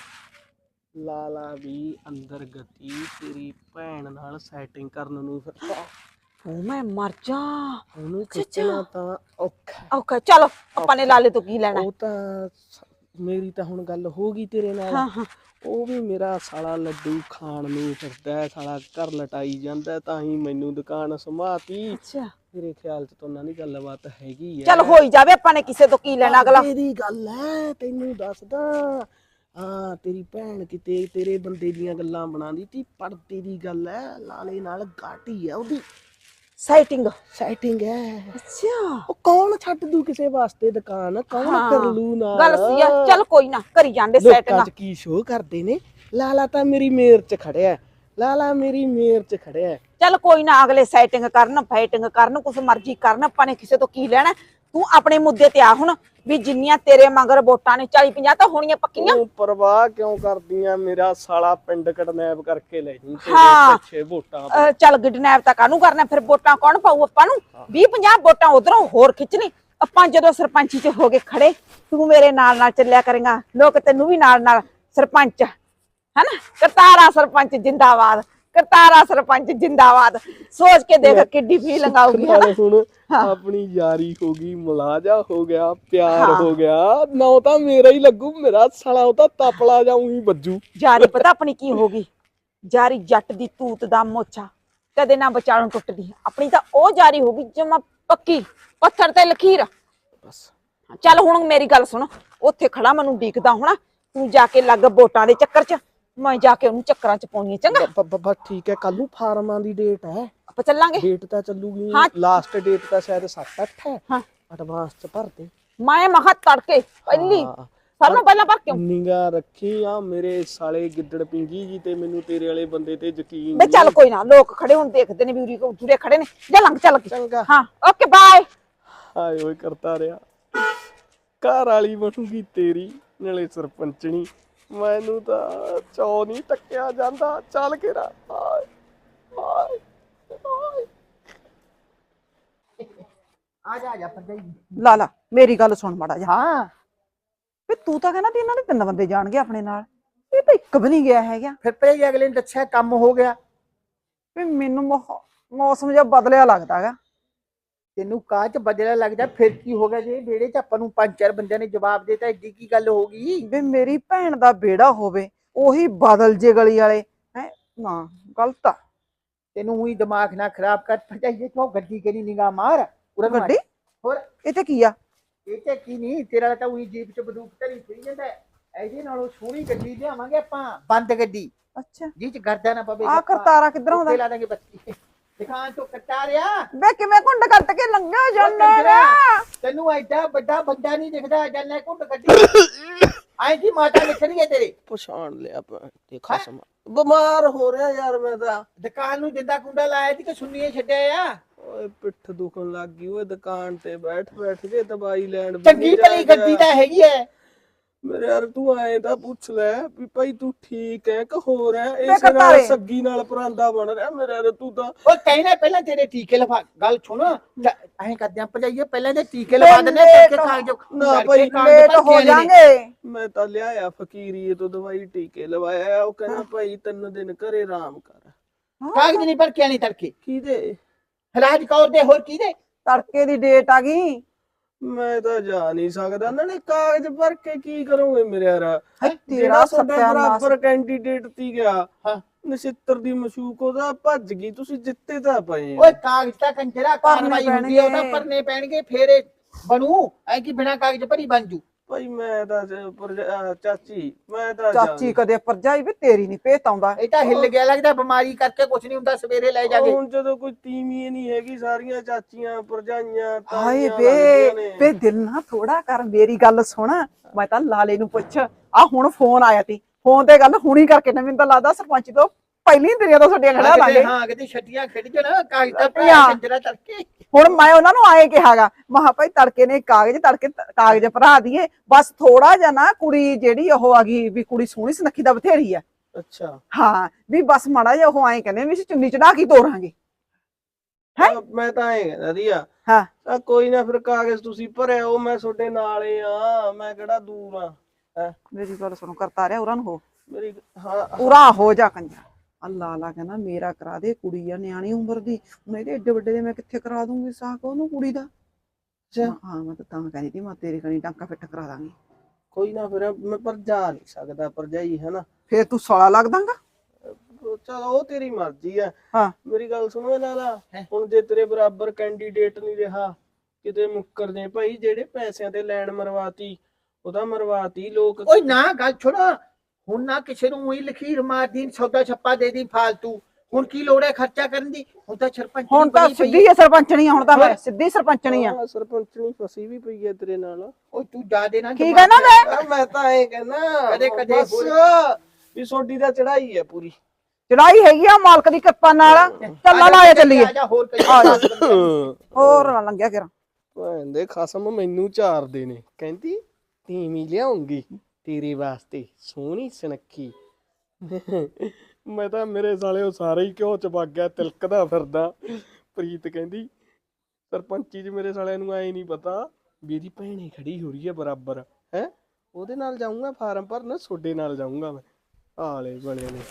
Speaker 5: ਲਾਲਾ ਵੀ ਅੰਦਰ ਗਤੀ ਤੇਰੀ ਭੈਣ ਨਾਲ ਸੈਟਿੰਗ ਕਰਨ ਨੂੰ ਫਿਰਦਾ।
Speaker 1: ਉਹ ਮੈਂ ਮਰ ਜਾ।
Speaker 5: ਉਹਨੂੰ ਖਿੱਚਣਾ ਤਾਂ ਔਖਾ।
Speaker 1: ਓਕੇ ਚਲੋ, ਆਪਾਂ ਨੇ ਲਾਲੇ ਤੋਂ ਕੀ ਲੈਣਾ?
Speaker 5: ਉਹ ਤਾਂ ਮੇਰੀ ਤਾਂ ਹੁਣ ਗੱਲ ਹੋ ਗਈ ਤੇਰੇ ਨਾਲ।
Speaker 1: ਹਾਂ ਹਾਂ,
Speaker 5: ਉਹ ਵੀ ਮੇਰਾ ਸਾਲਾ ਲੱਡੂ ਖਾਣ ਨੂੰ ਫਿਰਦਾ, ਸਾਲਾ ਘਰ ਲਟਾਈ ਜਾਂਦਾ, ਤਾਂ ਹੀ ਮੈਨੂੰ ਦੁਕਾਨ ਸੰਭਾਤੀ।
Speaker 1: ਅੱਛਾ
Speaker 5: ਮੇਰੇ ਖਿਆਲ ਚ ਤਾਂ ਉਹਨਾਂ ਦੀ ਗੱਲਬਾਤ ਹੈਗੀ ਹੈ।
Speaker 1: ਚਲ ਹੋਈ ਜਾਵੇ, ਆਪਾਂ ਨੇ ਕਿਸੇ ਤੋਂ ਕੀ ਲੈਣਾ? ਅਗਲਾ
Speaker 5: ਤੇਰੀ ਗੱਲ ਹੈ, ਤੈਨੂੰ ਦੱਸਦਾ ਹਾਂ ਤੇਰੀ ਭੈਣ ਕਿਤੇ ਤੇਰੇ ਬੰਦੇ ਦੀਆਂ ਗੱਲਾਂ ਬਣਾਉਂਦੀ ਤੀ, ਪਰ ਤੇਰੀ ਗੱਲ ਐ ਲਾਲੇ ਨਾਲ ਗਾਟੀ ਆ ਉਹਦੀ
Speaker 1: ਸਾਈਟਿੰਗ।
Speaker 5: ਸੈਟਿੰਗ ਐ।
Speaker 1: ਅੱਛਾ
Speaker 5: ਉਹ ਕੌਣ ਛੱਡ ਦੂ ਕਿਸੇ ਵਾਸਤੇ ਦੁਕਾਨ, ਕੌਣ ਕਰ ਲੂ ਨਾਲ।
Speaker 1: ਗੱਲ ਸਹੀ ਆ, ਚੱਲ ਕੋਈ ਨਾ ਕਰੀ ਜਾਂਦੇ
Speaker 5: ਲੋਕਾਂ
Speaker 1: ਸੈਟਿੰਗ।
Speaker 5: ਚ ਕੀ ਸ਼ੋਅ ਕਰਦੇ ਨੇ, ਲਾਲਾ ਤਾਂ ਮੇਰੀ ਮੇਰ ਚ ਖੜਿਆ, ਲਾਲਾ ਮੇਰੀ ਮੇਰ ਚ ਖੜਿਆ।
Speaker 1: ਚੱਲ ਕੋਈ ਨਾ, ਅਗਲੇ ਸੈਟਿੰਗ ਕਰਨ ਫਾਈਟਿੰਗ ਕਰਨ ਕੁਛ ਮਰਜ਼ੀ ਕਰਨ, ਆਪਾਂ ਨੇ ਕਿਸੇ ਤੋਂ ਕੀ ਲੈਣਾ। ਤੂੰ ਆਪਣੇ ਮੁੱਦੇ ਤੇ ਆ ਹੁਣ, ਵੀ ਜਿੰਨੀਆਂ ਤੇਰੇ ਮਗਰ ਵੋਟਾਂ ਨੇ 40-50 ਤਾਂ ਹੋਣੀਆਂ ਪੱਕੀਆਂ।
Speaker 5: ਤੂੰ ਪਰਵਾਹ ਕਿਉਂ ਕਰਦੀਆਂ, ਮੇਰਾ ਸਾਲਾ ਪਿੰਡ ਕਡਨੈਪ ਕਰਕੇ ਲੈ ਜੀ ਤੇਰੇ
Speaker 1: ਹਾਂ।
Speaker 5: ਪਿੱਛੇ ਵੋਟਾਂ ਤੋਂ।
Speaker 1: ਚੱਲ ਕਿਡਨੈਪ ਤਾਂ ਕਾਹਨੂੰ ਕਰਨਾ, ਫਿਰ ਵੋਟਾਂ ਕੌਣ ਪਾਊ ਆਪਾਂ ਨੂੰ? 20-50 ਵੋਟਾਂ ਉਧਰੋਂ ਹੋਰ ਖਿੱਚ ਲਈ। ਆਪਾਂ ਜਦੋਂ ਸਰਪੰਚੀ ਚ ਹੋ ਗਏ ਖੜੇ, ਤੂੰ ਮੇਰੇ ਨਾਲ ਨਾਲ ਚੱਲਿਆ ਕਰੇਗਾ, ਲੋਕ ਤੈਨੂੰ ਵੀ ਨਾਲ ਨਾਲ ਸਰਪੰਚ ਹੈਨਾ, ਕਰਤਾਰਾ ਸਰਪੰਚ ਜਿੰਦਾਬਾਦ, ਕਰਤਾਰਾ ਸਰਪੰਚ ਜਿੰਦਾਬਾਦ। ਸੋਚ ਕੇ ਦੇਖ ਕਿੱਡੀ ਫੀਲਿੰਗ ਆਊਗੀ।
Speaker 5: ਨਾਲੇ ਹੁਣ ਆਪਣੀ ਯਾਰੀ ਹੋ ਗਈ, ਮੁਲਾਜ਼ਾ ਹੋ ਗਿਆ, ਪਿਆਰ ਹੋ ਗਿਆ, ਨਾ ਤਾਂ ਮੇਰਾ ਹੀ ਲੱਗੂ, ਮੇਰਾ ਸਾਲਾ ਉਹ ਤਾਂ ਤਪਲਾ ਜਾਊਂ ਹੀ ਵੱਜੂ।
Speaker 1: ਜਾਰੀ ਪਤਾ ਆਪਣੀ ਕੀ ਹੋਗੀ? ਜਾਰੀ ਜੱਟ ਦੀ ਤੂਤ ਦਾ ਮੋਚਾ, ਕਦੇ ਨਾ ਵਿਚਾਲੋਂ ਟੁੱਟਦੀ। ਆਪਣੀ ਤਾਂ ਉਹ ਜਾਰੀ ਹੋਗੀ ਜਮਾ ਪੱਕੀ, ਪੱਥਰ ਤੇ ਲਖੀਰ।
Speaker 5: ਬਸ
Speaker 1: ਚੱਲ ਹੁਣ ਮੇਰੀ ਗੱਲ ਸੁਣ, ਉੱਥੇ ਖੜਾ ਮੈਨੂੰ ਡੀਕਦਾ ਹੋਣਾ, ਤੂੰ ਜਾ ਕੇ ਲੱਗ ਵੋਟਾਂ ਦੇ ਚੱਕਰ ਚ, ਮੈਂ ਜਾ ਕੇ ਉਹਨੂੰ ਚੱਕਰਾਂ ਚ ਪਾਉਣੀ। ਚੰਗਾ
Speaker 5: ਬਸ ਠੀਕ ਹੈ, ਕੱਲ ਨੂੰ ਫਾਰਮਾਂ ਦੀ ਡੇਟ ਹੈ,
Speaker 1: ਆਪਾਂ ਚੱਲਾਂਗੇ।
Speaker 5: ਡੇਟ ਤਾਂ ਚੱਲੂਗੀ,
Speaker 1: ਹਾਂ।
Speaker 5: ਲਾਸਟ ਡੇਟ ਤਾਂ ਸ਼ਾਇਦ 7-8 ਹੈ।
Speaker 1: ਹਾਂ।
Speaker 5: ਐਡਵਾਂਸ ਚ ਭਰ ਦੇ।
Speaker 1: ਮੈਂ ਮਹਾ ਤੜਕੇ ਪਹਿਲੀ
Speaker 5: ਹਾਂ।
Speaker 1: ਸਾਰਿਆਂ ਨੂੰ ਪਹਿਲਾਂ ਭਰ ਕਿਉਂ?
Speaker 5: ਨਿਗਾ ਰੱਖੀ ਆ ਮੇਰੇ ਸਾਲੇ ਗਿੱਦੜ ਪਿੰਗੀ ਜੀ ਤੇ, ਮੈਨੂੰ ਤੇਰੇ ਵਾਲੇ ਬੰਦੇ ਤੇ ਯਕੀਨ
Speaker 1: ਬੇ ਚੱਲ ਕੋਈ ਨਾ, ਲੋਕ ਖੜੇ ਹੁਣ ਦੇਖਦੇ ਨੇ ਵੀ ਉਰੀ ਉਰੇ ਖੜੇ ਨੇ, ਜਾ ਲੰਘ ਚੱਲ।
Speaker 5: ਚੰਗਾ।
Speaker 1: ਹਾਂ ਓਕੇ ਬਾਏ।
Speaker 5: ਹਾਏ ਓਏ ਕਰਤਾ ਰਿਹਾ, ਘਰ ਵਾਲੀ ਬਣੂਗੀ ਤੇਰੀ, ਨਾਲੇ ਸਰਪੰਚਣੀ। ਮੈਨੂੰ ਤਾਂ ਚੌ ਨਹੀਂ ਟੱਕਿਆ ਜਾਂਦਾ, ਚੱਲ ਕੇ ਰਾ। ਹਾਏ ਹਾਏ ਹਾਏ।
Speaker 3: ਆ ਜਾ ਭਰਜਾਈ।
Speaker 4: ਲਾ ਮੇਰੀ ਗੱਲ ਸੁਣ ਮਾੜਾ ਜਿਹਾ।
Speaker 3: ਹਾਂ
Speaker 4: ਵੀ ਤੂੰ ਤਾਂ ਕਹਿੰਦਾ ਵੀ ਇਹਨਾਂ ਦੇ 3 ਬੰਦੇ ਜਾਣਗੇ ਆਪਣੇ ਨਾਲ, ਇਹ ਤਾਂ ਇੱਕ ਵੀ ਨਹੀਂ ਗਿਆ ਹੈਗਾ।
Speaker 3: ਫਿਰ ਭਰਜਾਈ ਅਗਲੇ ਨੇ ਦੱਸਿਆ ਕੰਮ ਹੋ ਗਿਆ।
Speaker 4: ਵੀ ਮੈਨੂੰ ਮੌਸਮ ਜਿਹਾ ਬਦਲਿਆ ਲੱਗਦਾ ਹੈਗਾ।
Speaker 3: ਤੈਨੂੰ ਕਾਹ ਚ ਬਦਲਾ ਲੱਗਦਾ, ਫਿਰ ਕੀ ਹੋ ਗਿਆ ਜੇ ਵਿਹੜੇ ਚ ਆਪਾਂ ਨੂੰ 5-4 ਬੰਦਿਆਂ ਨੇ ਜਵਾਬ ਦੇਤਾ, ਐਡੀ ਕੀ ਗੱਲ ਹੋ ਗਈ?
Speaker 4: ਵੀ ਮੇਰੀ ਭੈਣ ਦਾ ਬੇੜਾ ਹੋਵੇ, ਉਹੀ ਬਦਲ ਜੇ ਗਲੀ ਵਾਲੇ ਹੈ ਨਾ, ਗਲਤ ਆ।
Speaker 3: ਤੈਨੂੰ ਉਹੀ ਦਿਮਾਗ ਨਾ ਖਰਾਬ ਕਰ ਭਰਜਾਈ, ਤੂੰ ਗੱਡੀ ਕਰੀ ਨਿਗਾਹ ਮਾਰ।
Speaker 4: ਗੱਡੀ
Speaker 3: ਹੋਰ
Speaker 4: ਇਹ ਤੇ ਕੀ ਆ?
Speaker 3: ਇਹ ਤੇ ਕੀ ਨਹੀਂ, ਤੇਰਾ ਤਾਂ ਉਹੀ ਜੀਪ ਚ ਬੰਦੂਕ ਧਰੀ ਫਿਰੀ ਜਾਂਦਾ। ਇਹਦੇ ਨਾਲੋਂ ਸੋਹਣੀ ਗੱਡੀ ਲਿਆਵਾਂਗੇ ਆਪਾਂ, ਬੰਦ ਗੱਡੀ,
Speaker 4: ਅੱਛਾ
Speaker 3: ਜਿਹ ਚ ਗਰਦਾ ਨਾ ਪਵੇ।
Speaker 4: ਆ ਕਰਤਾਰਾ ਕਿੱਧਰ ਆਉਂਦਾ?
Speaker 3: ਲਾ ਦਾਂਗੇ ਬੱਤੀ ਦੁਕਾਨ ਤੋਂ ਕੱਟਾ ਰਿਆ।
Speaker 4: ਬੇ ਕਿਵੇਂ ਕੁੰਡ ਕੱਟ ਕੇ ਲੰਘਿਆ ਜਾਂਦਾ?
Speaker 3: ਤੈਨੂੰ ਐਡਾ ਵੱਡਾ ਬੰਦਾ ਨਹੀਂ ਦਿਖਦਾ, ਜੰਨੇ ਕੁੰਡ ਗੱਡੀ ਆਈ ਜੀ ਮਾਤਾ ਨਿਕਲੀ ਹੈ ਤੇਰੇ।
Speaker 5: ਪਛਾਣ ਲਿਆ ਦੇਖਾ ਸਮਾਂ, ਬਿਮਾਰ ਹੋ ਰਿਹਾ ਯਾਰ ਮੈਂ ਤਾਂ।
Speaker 3: ਦੁਕਾਨ ਨੂੰ ਜਿੰਦਾ ਕੁੰਡਾ ਲਾਇਆ ਸੀ ਕਿ ਸੁਣੀਏ ਛੱਡਿਆ ਆ?
Speaker 5: ਓਏ ਪਿੱਠ ਦੁਖਣ ਲੱਗ ਗਈ ਓਏ, ਦੁਕਾਨ ਤੇ ਬੈਠ ਕੇ ਦਵਾਈ ਲੈਣ ਵੀ
Speaker 3: ਚੰਗੀ
Speaker 5: ਨਹੀਂ
Speaker 3: ਭਲੀ
Speaker 5: ਜਾ
Speaker 3: ਗੱਡੀ ਤਾਂ ਹੈਗੀ ਐ।
Speaker 5: ਮੇਰੇ ਯਾਰ ਤੂੰ ਆਏ ਤਾਂ ਪੁੱਛ ਲੈ ਵੀ ਭਾਈ ਤੂੰ ਠੀਕ ਹੈ ਕਿ ਹੋਰ ਹੈ,
Speaker 4: ਮੈਂ
Speaker 5: ਇਸੇ ਨਾਲ
Speaker 4: ਕਰਤਾਰੇ।
Speaker 5: ਸੱਗੀ ਨਾਲ ਪਰਾਂਦਾ ਬਣ ਰਿਹਾ ਮੇਰੇ ਯਾਰ। ਤੂੰ ਤਾਂ
Speaker 3: ਉਹ ਕਹਿਣਾ ਪਹਿਲਾਂ ਤੇਰੇ ਟੀਕੇ ਲਵਾ, ਗੱਲ ਸੁਣ ਐਂ ਕਰਦੇ ਆਂ ਭਜਾਈਏ, ਪਹਿਲਾਂ ਤੇ ਟੀਕੇ ਲਵਾ ਦਿੰਦੇ ਤੇ ਕਾਗਜ਼
Speaker 5: ਨਾ ਭਾਈ,
Speaker 4: ਲੇਟ ਹੋ ਜਾਾਂਗੇ।
Speaker 5: ਮੈਂ ਤਾਂ ਲਿਆਇਆ ਫਕੀਰੀਏ ਤੋਂ ਦਵਾਈ, ਟੀਕੇ ਲਵਾਇਆ। ਉਹ ਕਹਿੰਦਾ ਭਾਈ 3 ਦਿਨ ਘਰੇ ਆਰਾਮ ਕਰ।
Speaker 3: ਕਾਗਜ਼ ਨਹੀਂ ਭਰ ਕੇ ਆਣੀ ਤੜਕੇ।
Speaker 5: ਕਿਹਦੇ?
Speaker 3: ਰਾਜ ਕੌਰ ਦੇ, ਹੋਰ ਕਿਹਦੇ?
Speaker 4: ਤੜਕੇ ਦੀ ਡੇਟ ਆ ਗਈ।
Speaker 5: ਮੈਂ ਤਾਂ ਜਾ ਨਹੀਂ ਸਕਦਾ, ਨਾਲੇ ਕਾਗਜ਼ ਭਰ ਕੇ ਕੀ ਕਰੋਗੇ ਮੇਰੇ ਯਾਰ?
Speaker 4: ਤੇਰਾ
Speaker 5: ਜਿਹੜਾ ਤੁਹਾਡਾ
Speaker 4: ਸਤਿਆਨਾਸ਼।
Speaker 5: ਬਰਾਬਰ ਕੈਂਡੀਡੇਟ ਤੀ ਗਿਆ
Speaker 3: ਹਾਂ।
Speaker 5: ਨਛਿੱਤਰ ਦੀ ਮਸ਼ੂਕ, ਉਹਦਾ ਭੱਜ ਗਈ, ਤੁਸੀਂ ਜਿੱਤੇ ਤਾਂ ਪਏ।
Speaker 3: ਓਏ ਕਾਗਜ਼ ਤਾਂ ਕੰਜਰਾ ਕਾਰਵਾਈ
Speaker 4: ਭਰਨੇ
Speaker 3: ਹੁੰਦੀ ਹੈ, ਉਹਦਾ
Speaker 4: ਪੈਣਗੇ।
Speaker 3: ਭਰਨੇ ਪੈਣਗੇ, ਫੇਰ ਇਹ ਬਣੂ। ਐ ਕਿ ਬਿਨਾ ਕਾਗਜ਼ ਭਰੀ ਬਣ ਜੂ?
Speaker 5: ਭਾਈ ਮੈਂ ਤਾਂ ਚਾਚੀ, ਮੈਂ ਤਾਂ
Speaker 4: ਚਾਚੀ ਕਦੇ ਭਰਜਾਈ ਵੀ ਤੇਰੀ ਨਹੀਂ ਭੇਤ ਆਉਂਦਾ।
Speaker 3: ਇਹ ਤਾਂ ਹਿੱਲ ਗਿਆ ਲੱਗਦਾ, ਬਿਮਾਰੀ ਕਰਕੇ ਕੁਝ ਨਹੀਂ ਹੁੰਦਾ, ਸਵੇਰੇ ਲੈ ਜਾਗੇ।
Speaker 5: ਹੁਣ ਜਦੋਂ ਕੋਈ ਤੀਵੀਂ ਨਹੀਂ ਹੈਗੀ, ਸਾਰੀਆਂ ਚਾਚੀਆਂ ਭਰਜਾਈਆਂ
Speaker 4: ਹਾਏ
Speaker 5: ਤਾਈਆਂ
Speaker 4: ਵੇ
Speaker 5: ਲੱਗਦੀਆਂ ਨੇ।
Speaker 4: ਵੇ ਦਿਲ ਨਾ ਥੋੜਾ ਕਰ, ਮੇਰੀ ਗੱਲ ਸੁਣ। ਮੈਂ ਤਾਂ ਲਾਲੇ ਨੂੰ ਪੁੱਛ, ਆ ਹੁਣ ਫੋਨ ਆਇਆ ਤੀ, ਫੋਨ ਤੇ ਗੱਲ ਹੁਣੀ ਕਰਕੇ ਨਾ, ਮੈਨੂੰ ਤਾਂ ਲੱਗਦਾ ਸਰਪੰਚ ਤੋਂ ਪਹਿਲੀ ਤੇਰੀਆਂ ਤੋਂ ਛੱਡੀਆਂ ਖੜਾ ਲਾਂਗੇ।
Speaker 3: ਹਾਂ ਕਿਤੇ ਛੱਟੀਆਂ ਖਿੱਚ ਜਣਾ, ਕਾਗਜ਼ ਤਾਂ
Speaker 4: ਛੱਟੀਆਂ।
Speaker 3: ਕੰਜਰਾ ਤੜਕੇ।
Speaker 4: ਹੁਣ ਮੈਂ ਉਹਨਾਂ ਨੂੰ ਆਏ ਕਿਹਾਗਾ, ਮਹਾ ਭਾਈ ਤੜਕੇ ਨੇ ਕਾਗਜ਼ ਭਰਾ ਦੀਏ, ਬਸ ਥੋੜਾ ਜਿਹਾ ਨਾ ਕੁੜੀ ਜਿਹੜੀ ਉਹ ਆ ਗਈ ਵੀ ਕੁੜੀ ਸੋਹਣੀ ਸੁਨੱਖੀ ਦਾ ਬਥੇਰੀ ਆ।
Speaker 5: ਅੱਛਾ
Speaker 4: ਹਾਂ ਵੀ ਬਸ ਮਾੜਾ ਜਿਹਾ ਉਹ ਆਏ ਕਹਿੰਦੇ ਵੀ ਅਸੀਂ ਚੁੰਨੀ ਚੜਾ ਕੇ ਤੋਰਾਂਗੇ।
Speaker 5: ਮੈਂ ਤਾਂ ਐ ਕਹਿੰਦਾ ਦੀਆ,
Speaker 4: ਹਾਂ
Speaker 5: ਕੋਈ ਨਾ ਫਿਰ ਕਾਗਜ਼ ਤੁਸੀਂ ਭਰਿਆ, ਉਹ ਮੈਂ ਤੁਹਾਡੇ ਨਾਲ ਹੀ ਆ, ਮੈਂ ਕਿਹੜਾ ਦੂਰ ਆ।
Speaker 4: ਮੇਰੀ ਗੱਲ ਸੁਣੋ, ਕਰਤਾ ਰਿਹਾ ਉਹਨਾਂ ਨੂੰ ਹੋ
Speaker 5: ਮੇਰੀ ਹਾਂ
Speaker 4: ਪੂਰਾ ਹੋ ਜਾ ਕੰਜਾ। ਅੱਲਾ ਅੱਲਾ ਕਹਿੰਦਾ ਮੇਰਾ ਕਰਾ ਦੇ, ਕੁੜੀ ਆ ਨਿਆਣੀ ਉਮਰ ਦੀ, ਹੁਣ ਇਹਦੇ ਏਡੇ ਵੱਡੇ ਦੇ ਮੈਂ ਕਿੱਥੇ ਕਰਾ ਦੂੰਗੀ ਸਾਕ ਉਹਨੂੰ ਕੁੜੀ ਦਾ। ਹਾਂ ਮੈਂ ਤਾਂ ਕਹਿੰਦੀ ਤੀ ਮੈਂ ਤੇਰੇ ਕਣੀ ਟਾਂਕਾ ਫਿੱਟ ਕਰਾ ਦਾਂਗੀ।
Speaker 5: ਕੋਈ ਨਾ ਫਿਰ ਮੈਂ ਪਰ ਜਾ ਨਹੀਂ ਸਕਦਾ ਭਰਜਾਈ, ਹੈ
Speaker 4: ਫੇਰ ਤੂੰ ਸਾਲਾ ਲੱਗ ਦਾਂਗਾ।
Speaker 5: ਚਲੋ ਉਹ ਤੇਰੀ ਮਰਜ਼ੀ ਆ।
Speaker 4: ਹਾਂ
Speaker 5: ਮੇਰੀ ਗੱਲ ਸੁਣੋ ਲਾਲਾ, ਹੁਣ ਜੇ ਤੇਰੇ ਬਰਾਬਰ ਕੈਂਡੀਡੇਟ ਨਹੀਂ ਰਿਹਾ, ਕਿਤੇ ਮੁੱਕਰ ਜੇ ਭਾਈ, ਜਿਹੜੇ ਪੈਸਿਆਂ ਤੇ ਲੈਣ ਮਰਵਾਤੀ ਉਹਦਾ ਮਰਵਾਤੀ ਲੋਕ
Speaker 3: ਓਏ ਨਾ ਗੱਲ ਸੁਣ, ਹੁਣ ਨਾ ਕਿਸੇ ਨੂੰ ਉਹੀ ਲਖੀਰ ਮਾਰਦੀ ਸੌਦਾ ਛੱਪਾ ਦੇ ਦੀ ਫਾਲਤੂ। ਹੁਣ ਕੀ ਲੋੜ ਹੈ ਖਰਚਾ ਕਰਨ ਦੀ? ਹੁਣ ਤਾਂ ਸਰਪੰਚ
Speaker 4: ਹੁਣ ਤਾਂ ਸਿੱਧੀ ਹੈ ਸਰਪੰਚਣੀ ਆ, ਹੁਣ ਤਾਂ ਮੈਂ ਸਿੱਧੀ ਸਰਪੰਚਣੀ ਆ।
Speaker 5: ਸਰਪੰਚਣੀ ਫਸੀ ਵੀ ਪਈ ਹੈ ਤੇਰੇ ਨਾਲ।
Speaker 3: ਓਏ ਤੂੰ ਜਾ ਦੇ ਨਾ।
Speaker 4: ਕੀ ਕਹਿਣਾ ਮੈਂ?
Speaker 5: ਮੈਂ ਤਾਂ ਇਹ ਕਹਿਣਾ
Speaker 3: ਕਦੇ
Speaker 5: ਵੀ ਸੋਡੀ ਦਾ ਚੜਾਈ ਹੈ ਪੂਰੀ।
Speaker 4: ਚੜਾਈ ਹੈਗੀ ਆ ਮਾਲਕ ਦੀ ਕਿਰਪਾ ਨਾਲ। ਚੱਲਾ ਲਾਇਆ ਚੱਲੀਏ।
Speaker 3: ਆ ਜਾ ਹੋਰ ਕਈ
Speaker 4: ਹੋਰ ਨਾ ਲੰਘਿਆ ਕਿਰਾ।
Speaker 5: ਭੈਣ ਖਸਮ ਮੈਨੂੰ ਚਾਰਦੇ ਨੇ, ਕਹਿੰਦੀ ਤੀਵੀਂ ਲਿਆਉਂਗੀ ਤੇਰੇ ਵਾਸਤੇ ਸੋਹਣੀ ਸੁਨੱਖੀ। ਮੈਂ ਤਾਂ ਮੇਰੇ ਸਾਲੇ ਉਹ ਸਾਰੇ ਹੀ ਘਿਓ ਚ ਵਗ ਗਿਆ, ਤਿਲਕਦਾ ਫਿਰਦਾ। ਪ੍ਰੀਤ ਕਹਿੰਦੀ ਸਰਪੰਚੀ ਚ ਮੇਰੇ ਸਾਲਿਆਂ ਨੂੰ ਐ ਨਹੀਂ ਪਤਾ ਵੀ ਇਹਦੀ ਭੈਣੇ ਖੜੀ ਹੋ ਰਹੀ ਹੈ ਬਰਾਬਰ ਹੈ। ਉਹਦੇ ਨਾਲ ਜਾਊਂਗਾ ਫਾਰਮ ਭਰਨ, ਤੁਹਾਡੇ ਨਾਲ ਜਾਊਂਗਾ ਮੈਂ। ਆਲੇ ਬਣੇ ਨੇ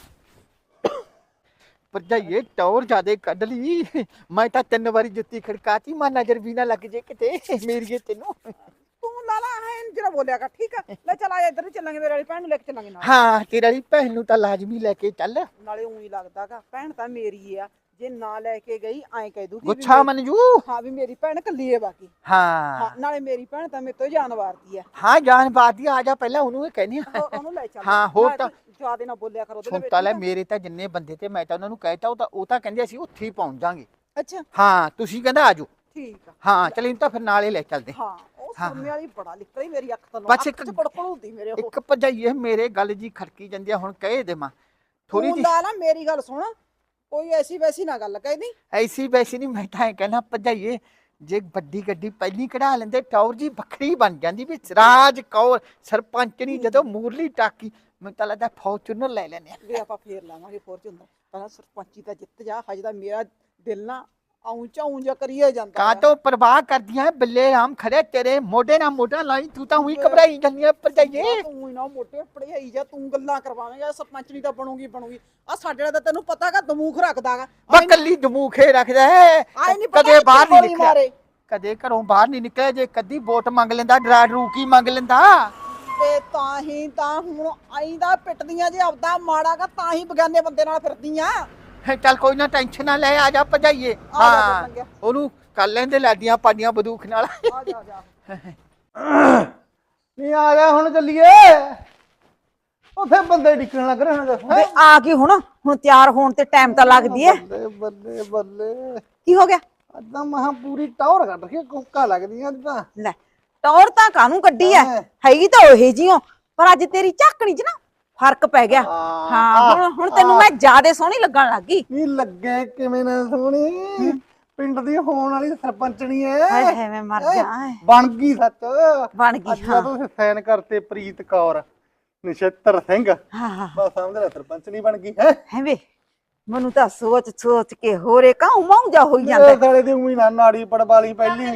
Speaker 3: ਭਰਜਾਈਏ ਟੌਰ ਜਿਆਦੇ ਕੱਢ ਲਈ। ਮੈਂ ਤਾਂ 3 ਵਾਰੀ ਜੁੱਤੀ ਖੜਕਾਤੀ, ਮਾ ਨਜ਼ਰ ਵੀ ਨਾ ਲੱਗ ਜੇ ਕਿਤੇ ਮੇਰੀਏ ਤੈਨੂੰ।
Speaker 4: ਤੂੰ ਲਾਲਾ ਹੈ ਜਿਹੜਾ ਬੋਲਿਆਗਾ ਠੀਕ ਆ। ਲੈ ਚੱਲ ਆ ਇੱਧਰ ਨੂੰ ਚੱਲਾਂਗੇ, ਮੇਰੇ ਵਾਲੀ ਭੈਣ ਨੂੰ ਲੈ ਕੇ ਚੱਲਾਂਗੇ ਨਾਲ।
Speaker 3: ਹਾਂ ਤੇਰੇ ਵਾਲੀ ਭੈਣ ਨੂੰ ਤਾਂ ਲਾਜ਼ਮੀ ਲੈ ਕੇ ਚੱਲ।
Speaker 4: ਨਾਲੇ ਉਹੀ ਲੱਗਦਾਗਾ ਭੈਣ ਤਾਂ ਮੇਰੀ ਆ, ਜੇ ਨਾ ਲੈ ਕੇ ਗਈ ਐਂ ਕਹਿ ਦੂਗੀ
Speaker 3: ਗੁੱਛਾ ਮੰਨਜੂ।
Speaker 4: ਹਾਂ ਵੀ ਮੇਰੀ ਭੈਣ ਕੱਲੀ ਹੈ ਬਾਕੀ।
Speaker 3: ਹਾਂ
Speaker 4: ਹਾਂ ਨਾਲੇ ਮੇਰੀ ਭੈਣ ਤਾਂ ਮੇਰੇ ਤੋਂ ਜਾਨ ਵਾਰਦੀ ਆ।
Speaker 3: ਹਾਂ ਜਾਨ ਬਾਦੀ ਆ ਜਾ ਪਹਿਲਾਂ ਉਹਨੂੰ ਇਹ ਕਹਿੰਦੀ ਆ।
Speaker 4: ਉਹਨੂੰ ਲੈ ਚੱਲ।
Speaker 3: ਹਾਂ ਹੋਰ ਤਾਂ
Speaker 4: ਜਿਆਦੇ ਨਾ ਬੋਲਿਆ ਕਰੋ ਉਹਦੇ
Speaker 3: ਸੁਣਤਾ ਲੈ, ਮੇਰੇ ਤਾਂ ਜਿੰਨੇ ਬੰਦੇ ਤੇ ਮੈਂ ਤਾਂ ਉਹਨਾਂ ਨੂੰ ਕਹਿਤਾ, ਉਹ ਤਾਂ ਕਹਿੰਦੇ ਅਸੀਂ ਉੱਥੇ ਹੀ ਪਹੁੰਚ ਜਾਾਂਗੇ।
Speaker 4: ਅੱਛਾ
Speaker 3: ਹਾਂ ਤੁਸੀਂ ਕਹਿੰਦਾ ਆਜੋ।
Speaker 4: ਠੀਕ ਆ।
Speaker 3: ਹਾਂ ਚਲ ਇਹਨੂੰ ਤਾਂ ਫਿਰ ਨਾਲੇ ਲੈ ਚੱਲਦੇ।
Speaker 4: ਹਾਂ ਉਹ ਸੁਣਨੇ ਵਾਲੀ ਬੜਾ ਨਿਕਲੀ ਮੇਰੀ ਅੱਖ ਤੋਂ।
Speaker 3: ਬਸ ਇੱਕ
Speaker 4: ਪੜਪੜ ਹੁੰਦੀ ਮੇਰੇ ਉਹ।
Speaker 3: ਇੱਕ ਭਜਾਈਏ ਮੇਰੇ ਗੱਲ ਜੀ ਖੜਕੀ ਜਾਂਦੀ ਆ, ਹੁਣ ਕਹਿ ਦੇਵਾਂ ਥੋੜੀ
Speaker 4: ਤੂੰ ਲਾਲਾ ਮੇਰੀ ਗੱਲ ਸੁਣ, ਕੋਈ ਐਸੀ ਵੈਸੀ ਨਾ ਗੱਲ ਕਹਿਦੀ।
Speaker 3: ਐਸੀ ਵੈਸੀ ਨਹੀਂ, ਮੈਂ ਤਾਂ ਇਹ ਕਹਿਣਾ ਭਜਾਈਏ ਜੇ ਵੱਡੀ ਗੱਡੀ ਪਹਿਲੀ ਕਢਾ ਲੈਂਦੇ ਟੌਰ ਜੀ ਵੱਖਰੀ ਬਣ ਜਾਂਦੀ ਵੀ ਰਾਜ ਕੌਰ ਸਰਪੰਚਣੀ ਜਦੋਂ ਮੂਰਲੀ ਟਾਕੀ। ਮੈਨੂੰ ਤਾਂ ਲੱਗਦਾ ਫੌਰਚੂਨਰ ਲੈ ਲੈਣੇ
Speaker 4: ਵੀ ਆਪਾਂ ਫੇਰ ਲਾਵਾਂਗੇ ਫੋਰਚੂਨਰ। ਪਹਿਲਾਂ ਸਰਪੰਚੀ ਤਾਂ ਜਿੱਤ ਜਾ, ਹਜੇ ਤਾਂ ਮੇਰਾ ਦਿਲ ਨਾ ਆਉਂ ਜਾ ਕਰੀਏ ਜਾਂਦਾ।
Speaker 3: ਕਾ ਤੋਂ ਪਰਵਾਹ ਕਰਦੀਆਂ ਬੱਲੇ ਰਾਮ ਖੜੇ ਤੇਰੇ ਮੋਢੇ ਨਾਲ ਮੋਢਾ ਲਾਈ, ਤੂੰ ਤਾਂ ਉਹੀ ਘਬਰਾਈ ਜਾਂਦੀ ਆ ਭਜਾਈਏ।
Speaker 4: ਤੂੰ ਨਾ ਮੋਟੇ ਪੜਾਈ ਜਾ, ਤੂੰ ਗੱਲਾਂ ਕਰਵਾਵੇਂਗਾ। ਸਰਪੰਚਣੀ ਤਾਂ ਬਣੂਗੀ ਆ ਸਾਡੇ ਵਾਲਾ ਤਾਂ ਤੈਨੂੰ ਪਤਾਗਾ ਦਮੂਖ ਰੱਖਦਾਗਾ।
Speaker 3: ਬਾ ਕੱਲੀ ਦਮੂਖੇ ਰੱਖਦਾ ਹੈ,
Speaker 4: ਆਏ ਨਹੀਂ
Speaker 3: ਕਦੇ ਬਾਹਰ ਨਹੀਂ ਨਿਕਲਿਆ,
Speaker 4: ਮਾਰੇ
Speaker 3: ਕਦੇ ਘਰੋਂ ਬਾਹਰ ਨਹੀਂ ਨਿਕਲਿਆ। ਜੇ ਕਦੀ ਵੋਟ ਮੰਗ ਲੈਂਦਾ, ਡਰਾ ਡਰੂ ਕੀ ਮੰਗ ਲੈਂਦਾ।
Speaker 4: ਤੇ ਤਾਂ ਹੀ ਤਾਂ ਹੁਣ ਆਈਂਦਾ ਪਿੱਟਦੀਆਂ ਜੇ ਆਪਦਾ ਮਾੜਾਗਾ, ਤਾਂ ਹੀ ਬਗਾਨੇ ਬੰਦੇ ਨਾਲ ਫਿਰਦੀਆਂ।
Speaker 3: ਚੱਲ ਕੋਈ ਨਾ ਟੈਨਸ਼ਨ ਨਾ ਲੈ, ਆ ਜਾ ਭਜਾਈਏ। ਹਾਂ ਉਹਨੂੰ ਕਰ ਲੈਂਦੇ ਲਾਡੀਆਂ ਪਾਡੀਆਂ ਬੰਦੂਖ ਨਾਲ।
Speaker 4: ਆ ਜਾ ਜਾ
Speaker 2: ਨਹੀਂ ਆ ਜਾ ਹੁਣ ਚੱਲੀਏ। ਉੱਥੇ ਬੰਦੇ ਡਿੱਕਣ ਲੱਗ ਰਹੇ ਹਨ।
Speaker 1: ਵੇ ਆ ਗਈ ਹੁਣ ਤਿਆਰ ਹੋਣ ਤੇ ਟਾਈਮ ਤਾਂ ਲੱਗਦੀ ਐ।
Speaker 2: ਬੱਲੇ ਬੱਲੇ ਬੱਲੇ,
Speaker 1: ਕੀ ਹੋ ਗਿਆ?
Speaker 2: ਅੱਦਾਂ ਮਹਾ ਪੂਰੀ ਟੌਰ ਕੱਢ ਕੇ ਕੋਕਾ ਲੱਗਦੀਆਂ ਤਾਂ।
Speaker 1: ਲੈ ਟੌਰ ਤਾਂ ਕਾਹਨੂੰ ਕੱਢੀ ਐ, ਹੈਗੀ ਤਾਂ ਉਹੇ ਜਿਹੀਓ, ਪਰ ਅੱਜ ਤੇਰੀ ਝਾਕਣੀ 'ਚ ਨਾ ਫਰਕ ਪੈ ਗਿਆ। ਹਾਂ ਹੁਣ ਤੈਨੂੰ ਮੈਂ ਜ਼ਿਆਦੇ ਸੋਹਣੀ ਲੱਗਣ ਲੱਗ ਗਈ।
Speaker 2: ਨਹੀਂ ਲੱਗੇ ਕਿਵੇਂ ਨਾ ਸੋਹਣੀ, ਪਿੰਡ ਦੀ ਹੋਣ ਵਾਲੀ ਸਰਪੰਚਣੀ ਐ।
Speaker 1: ਹਾਏ ਹਾਏ ਮੈਂ ਮਰ ਜਾ।
Speaker 2: ਬਣ ਗਈ ਸੱਚ,
Speaker 1: ਬਣ ਗਈ।
Speaker 2: ਅੱਜ ਤੁਸੀਂ ਸਾਈਨ ਕਰਤੇ ਪ੍ਰੀਤ ਕੌਰ ਨਛੱਤਰ ਸਿੰਘ।
Speaker 1: ਹਾਂ ਹਾਂ
Speaker 2: ਬਸ ਸਮਝ ਲੈ ਸਰਪੰਚਣੀ ਬਣ ਗਈ ਹੈ।
Speaker 1: ਹੈ ਵੇ ਮੈਨੂੰ ਤਾਂ ਸੋਚ ਕੇ ਹੋਰੇ ਕਾਹੂ ਮਾਉ ਜਾ ਹੋਈ ਜਾਂਦਾ।
Speaker 2: ਮੇਰੇ ਸਾਲੇ ਦੀ ਉਮੀ ਨਾ ਨਾੜੀ ਪੜਵਾਲੀ ਪਹਿਲੀ।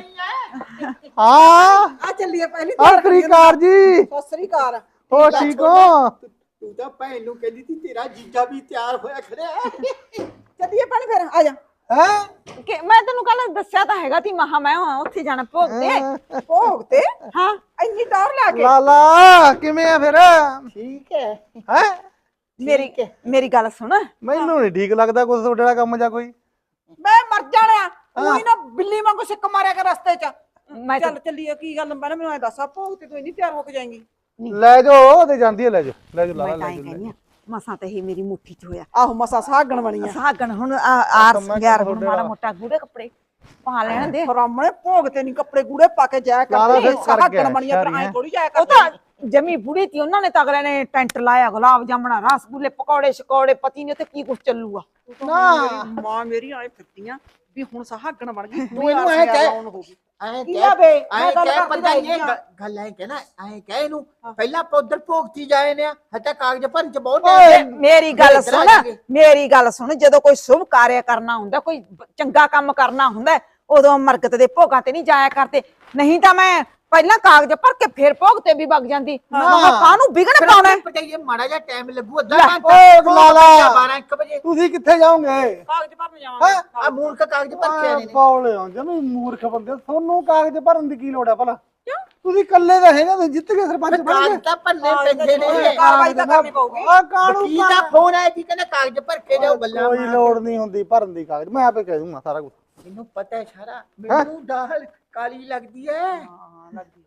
Speaker 2: ਹਾਂ
Speaker 4: ਆ ਚੱਲੀਏ ਪਹਿਲੀ
Speaker 2: ਸਤਿ ਸ੍ਰੀ ਅਕਾਲ ਜੀ।
Speaker 4: ਸਤਿ ਸ੍ਰੀ ਅਕਾਲ।
Speaker 2: ਹੋ ਠੀਕ ਹੋ?
Speaker 3: ਤੂੰ ਤਾਂ ਭੈਣ ਨੂੰ ਕਹਿੰਦੀ ਸੀ ਤੇਰਾ ਜੀਜਾ ਵੀ ਤਿਆਰ ਹੋਇਆ ਖੜਿਆ।
Speaker 4: ਚੱਲੀਏ ਭੈਣ ਫਿਰ ਆ ਜਾ।
Speaker 2: ਹੈ
Speaker 1: ਕਿ ਮੈਂ ਤੈਨੂੰ ਕੱਲ ਦੱਸਿਆ ਤਾਂ ਹੈਗਾ ਤੀ ਮਹਾ ਮੈਂ ਉੱਥੇ ਜਾਣਾ ਭੋਗ ਤੇ।
Speaker 4: ਭੋਗ ਤੇ
Speaker 1: ਹਾਂ
Speaker 4: ਇੰਨੀ ਟੌਰ ਲਾ ਕੇ।
Speaker 2: ਲਾਲਾ ਕਿਵੇਂ ਆ ਫਿਰ?
Speaker 3: ਠੀਕ ਹੈ।
Speaker 2: ਹੈ
Speaker 1: ਮੇਰੀ ਗੱਲ ਸੁਣ।
Speaker 2: ਮੈਨੂੰ ਨਹੀਂ ਠੀਕ ਲੱਗਦਾ ਕੁਝ ਤੁਹਾਡੇ ਵਾਲਾ ਕੰਮ ਜਾਂ ਕੋਈ।
Speaker 4: ਮੈਂ ਮਰ ਜਾਣਿਆ, ਤੂੰ ਹੀ ਨਾ ਬਿੱਲੀ ਵਾਂਗੂ ਸਿੱਕ ਮਾਰਿਆ ਕਰ ਰਸਤੇ 'ਚ।
Speaker 1: ਮੈਂ
Speaker 4: ਚੱਲ ਚੱਲੀਏ, ਕੀ ਗੱਲ ਪਹਿਲਾਂ ਮੈਨੂੰ ਐ ਦੱਸ, ਆ ਭੋਗ ਤੇ ਤੂੰ ਇੰਨੀ ਤਿਆਰ ਹੋ ਕੇ ਜਾਏਂਗੀ?
Speaker 2: ਲੈ ਜਾਓ ਤੇ ਜਾਂਦੀ ਹੈ, ਲੈ ਜਾਓ ਲਾਲਾ
Speaker 1: ਮੈਂ ਤਾਂ
Speaker 2: ਲੈ
Speaker 1: ਹੀ
Speaker 2: ਜਾਓ।
Speaker 1: ਕਹਿੰਦੀ ਆ ਮਸਾਂ ਤੇ ਇਹ ਮੇਰੀ ਮੁੱਠੀ 'ਚ ਹੋਇਆ।
Speaker 4: ਆਹੋ ਮਸਾ ਸਾਗਣ ਬਣੀ ਆ।
Speaker 1: ਸਾਗਣ ਹੁਣ ਆਰ ਸੰਗਿਆਰ ਹੁਣ ਮਾੜਾ ਮੋਟਾ ਗੂੜੇ ਕੱਪੜੇ ਪਾ ਲੈਣ ਦੇ।
Speaker 4: ਰਾਮਣੇ ਭੋਗ ਤੇ ਨਹੀਂ ਕੱਪੜੇ ਗੂੜੇ ਪਾ ਕੇ ਜਾਇਆ
Speaker 2: ਲਾਲਾ
Speaker 4: ਕਰਦੇ।
Speaker 2: ਫਿਰ ਕਰ ਗਿਆ,
Speaker 4: ਸਾਗਣ ਬਣੀ ਆ, ਪਰ ਐ ਥੋੜੀ ਜਾਇਆ
Speaker 1: ਉਹ
Speaker 4: ਕਰਦੇ।
Speaker 1: ਤਾਂ ਜਮੀ ਬੁੜੀ ਤੀ, ਉਹਨਾਂ ਨੇ ਤਾਂ ਅਗਲੇ ਨੇ ਟੈਂਟ ਲਾਇਆ, ਗੁਲਾਬ ਜਾਮਣਾ, ਰਸਗੁੱਲੇ, ਪਕੌੜੇ ਸ਼ਕੌੜੇ, ਪਤੀ ਨੇ ਤੇ ਕੀ ਕੁਛ ਚੱਲੂਗਾ।
Speaker 4: ਮੇਰੀ ਮਾਂ ਮੇਰੀ ਆਏ ਫਿਰਦੀਆਂ ਵੀ ਹੁਣ ਸਾਗਣ ਬਣ ਗਈ।
Speaker 3: ਤੂੰ ਇਹਨੂੰ ਐ ਕਹਿ, ਐ
Speaker 4: ਕੀ ਆ ਬੇ?
Speaker 3: ਐ
Speaker 4: ਮੈਂ ਗੱਲ
Speaker 3: ਕਹਿ
Speaker 4: ਕਰਦੀ
Speaker 3: ਭਰਜਾਈਏ,
Speaker 4: ਰਹਿੰਦੀ ਆ।
Speaker 3: ਗੱਲ ਐ ਕਹਿਣਾ, ਐ ਕਹਿ ਇਹਨੂੰ ਪਹਿਲਾਂ ਆਪਾਂ ਉਧਰ ਭੋਗਤੀ ਜਾਏ ਨੇ, ਹਟਾ ਕਾਗਜ਼ ਭਰਨ ਚ ਬਹੁਤ
Speaker 1: ਮੇਰੀ ਗੱਲ ਸੁਣ, ਮੇਰੀ ਗੱਲ ਸੁਣ, ਜਦੋਂ ਕੋਈ ਸ਼ੁਭ ਕਾਰਿਆ ਕਰਨਾ ਹੁੰਦਾ, ਕੋਈ ਚੰਗਾ ਕੰਮ ਕਰਨਾ ਹੁੰਦਾ, ਉਦੋਂ ਮਰਗਤ ਦੇ ਭੋਗਾਂ ਤੇ ਨਹੀਂ ਜਾਇਆ ਕਰਦੇ। ਨਹੀਂ ਤਾਂ ਮੈਂ ਪਹਿਲਾਂ ਕਾਗਜ਼ ਭਰ ਕੇ ਫਿਰ ਭੋਗ ਤੇ ਵੀ ਵਗ ਜਾਂਦੀ। ਕਾਹਨੂੰ ਵਿਗੜ ਪਾਉਣਾ?
Speaker 3: ਭਰਜਾਈਏ ਮਾੜਾ ਜਿਹਾ ਟਾਈਮ ਲੱਗੂ, ਅੱਧਾ
Speaker 2: ਓ
Speaker 3: ਘੰਟਾ।
Speaker 2: ਲਾਲਾ
Speaker 3: 12-1 ਵਜੇ
Speaker 2: ਤੁਸੀਂ ਕਿੱਥੇ ਜਾਓਗੇ?
Speaker 4: ਕਾਗਜ਼ ਭਰਨ ਜਾਵਾਂਗੇ।
Speaker 3: ਆ ਮੂਰਖ ਕਾਗਜ਼ ਭਰ ਕੇ ਆਣੇ ਨੇ।
Speaker 2: ਬੌਲੇ ਹੋ ਜਮੀ ਮੂਰਖ ਬੰਦੇ, ਤੁਹਾਨੂੰ ਕਾਗਜ਼ ਭਰਨ ਦੀ ਕੀ ਲੋੜ ਹੈ ਭਲਾ? ਤੁਸੀਂ ਇਕੱਲੇ ਤਾਂ ਹੈਗੇ, ਤੁਸੀਂ ਜਿੱਤ ਕੇ ਸਰਪੰਚ ਬਣ ਗਏ।
Speaker 3: ਕਾਗਜ਼ ਤਾਂ ਭਰਨੇ ਪੈਂਦੇ ਨੇ।
Speaker 4: ਕਾਰਵਾਈ ਤਾਂ ਕਰਨੀ ਪਊਗੀ।
Speaker 2: ਆ ਕਾਨੂੰਨ
Speaker 3: ਵਕੀਲ ਦਾ ਫੋਨ ਆਇਆ ਜੀ, ਕਹਿੰਦਾ ਕਾਗਜ਼ ਭਰ ਕੇ ਜਾਓ। ਬੱਲਾ
Speaker 2: ਕੋਈ ਲੋੜ ਨਹੀਂ ਹੁੰਦੀ ਭਰਨ ਦੀ ਕਾਗਜ਼, ਮੈਂ ਆਪੇ ਕਹਿ ਦੂੰਗਾ ਸਾਰਾ ਕੁਝ।
Speaker 3: ਮੈਨੂੰ ਪਤਾ ਹੈ ਸਾਰਾ, ਮੈਨੂੰ ਦਾਲ ਕਾਲੀ ਲੱਗਦੀ ਹੈ।
Speaker 4: ਹਾਂ ਲੱਗਦੀ।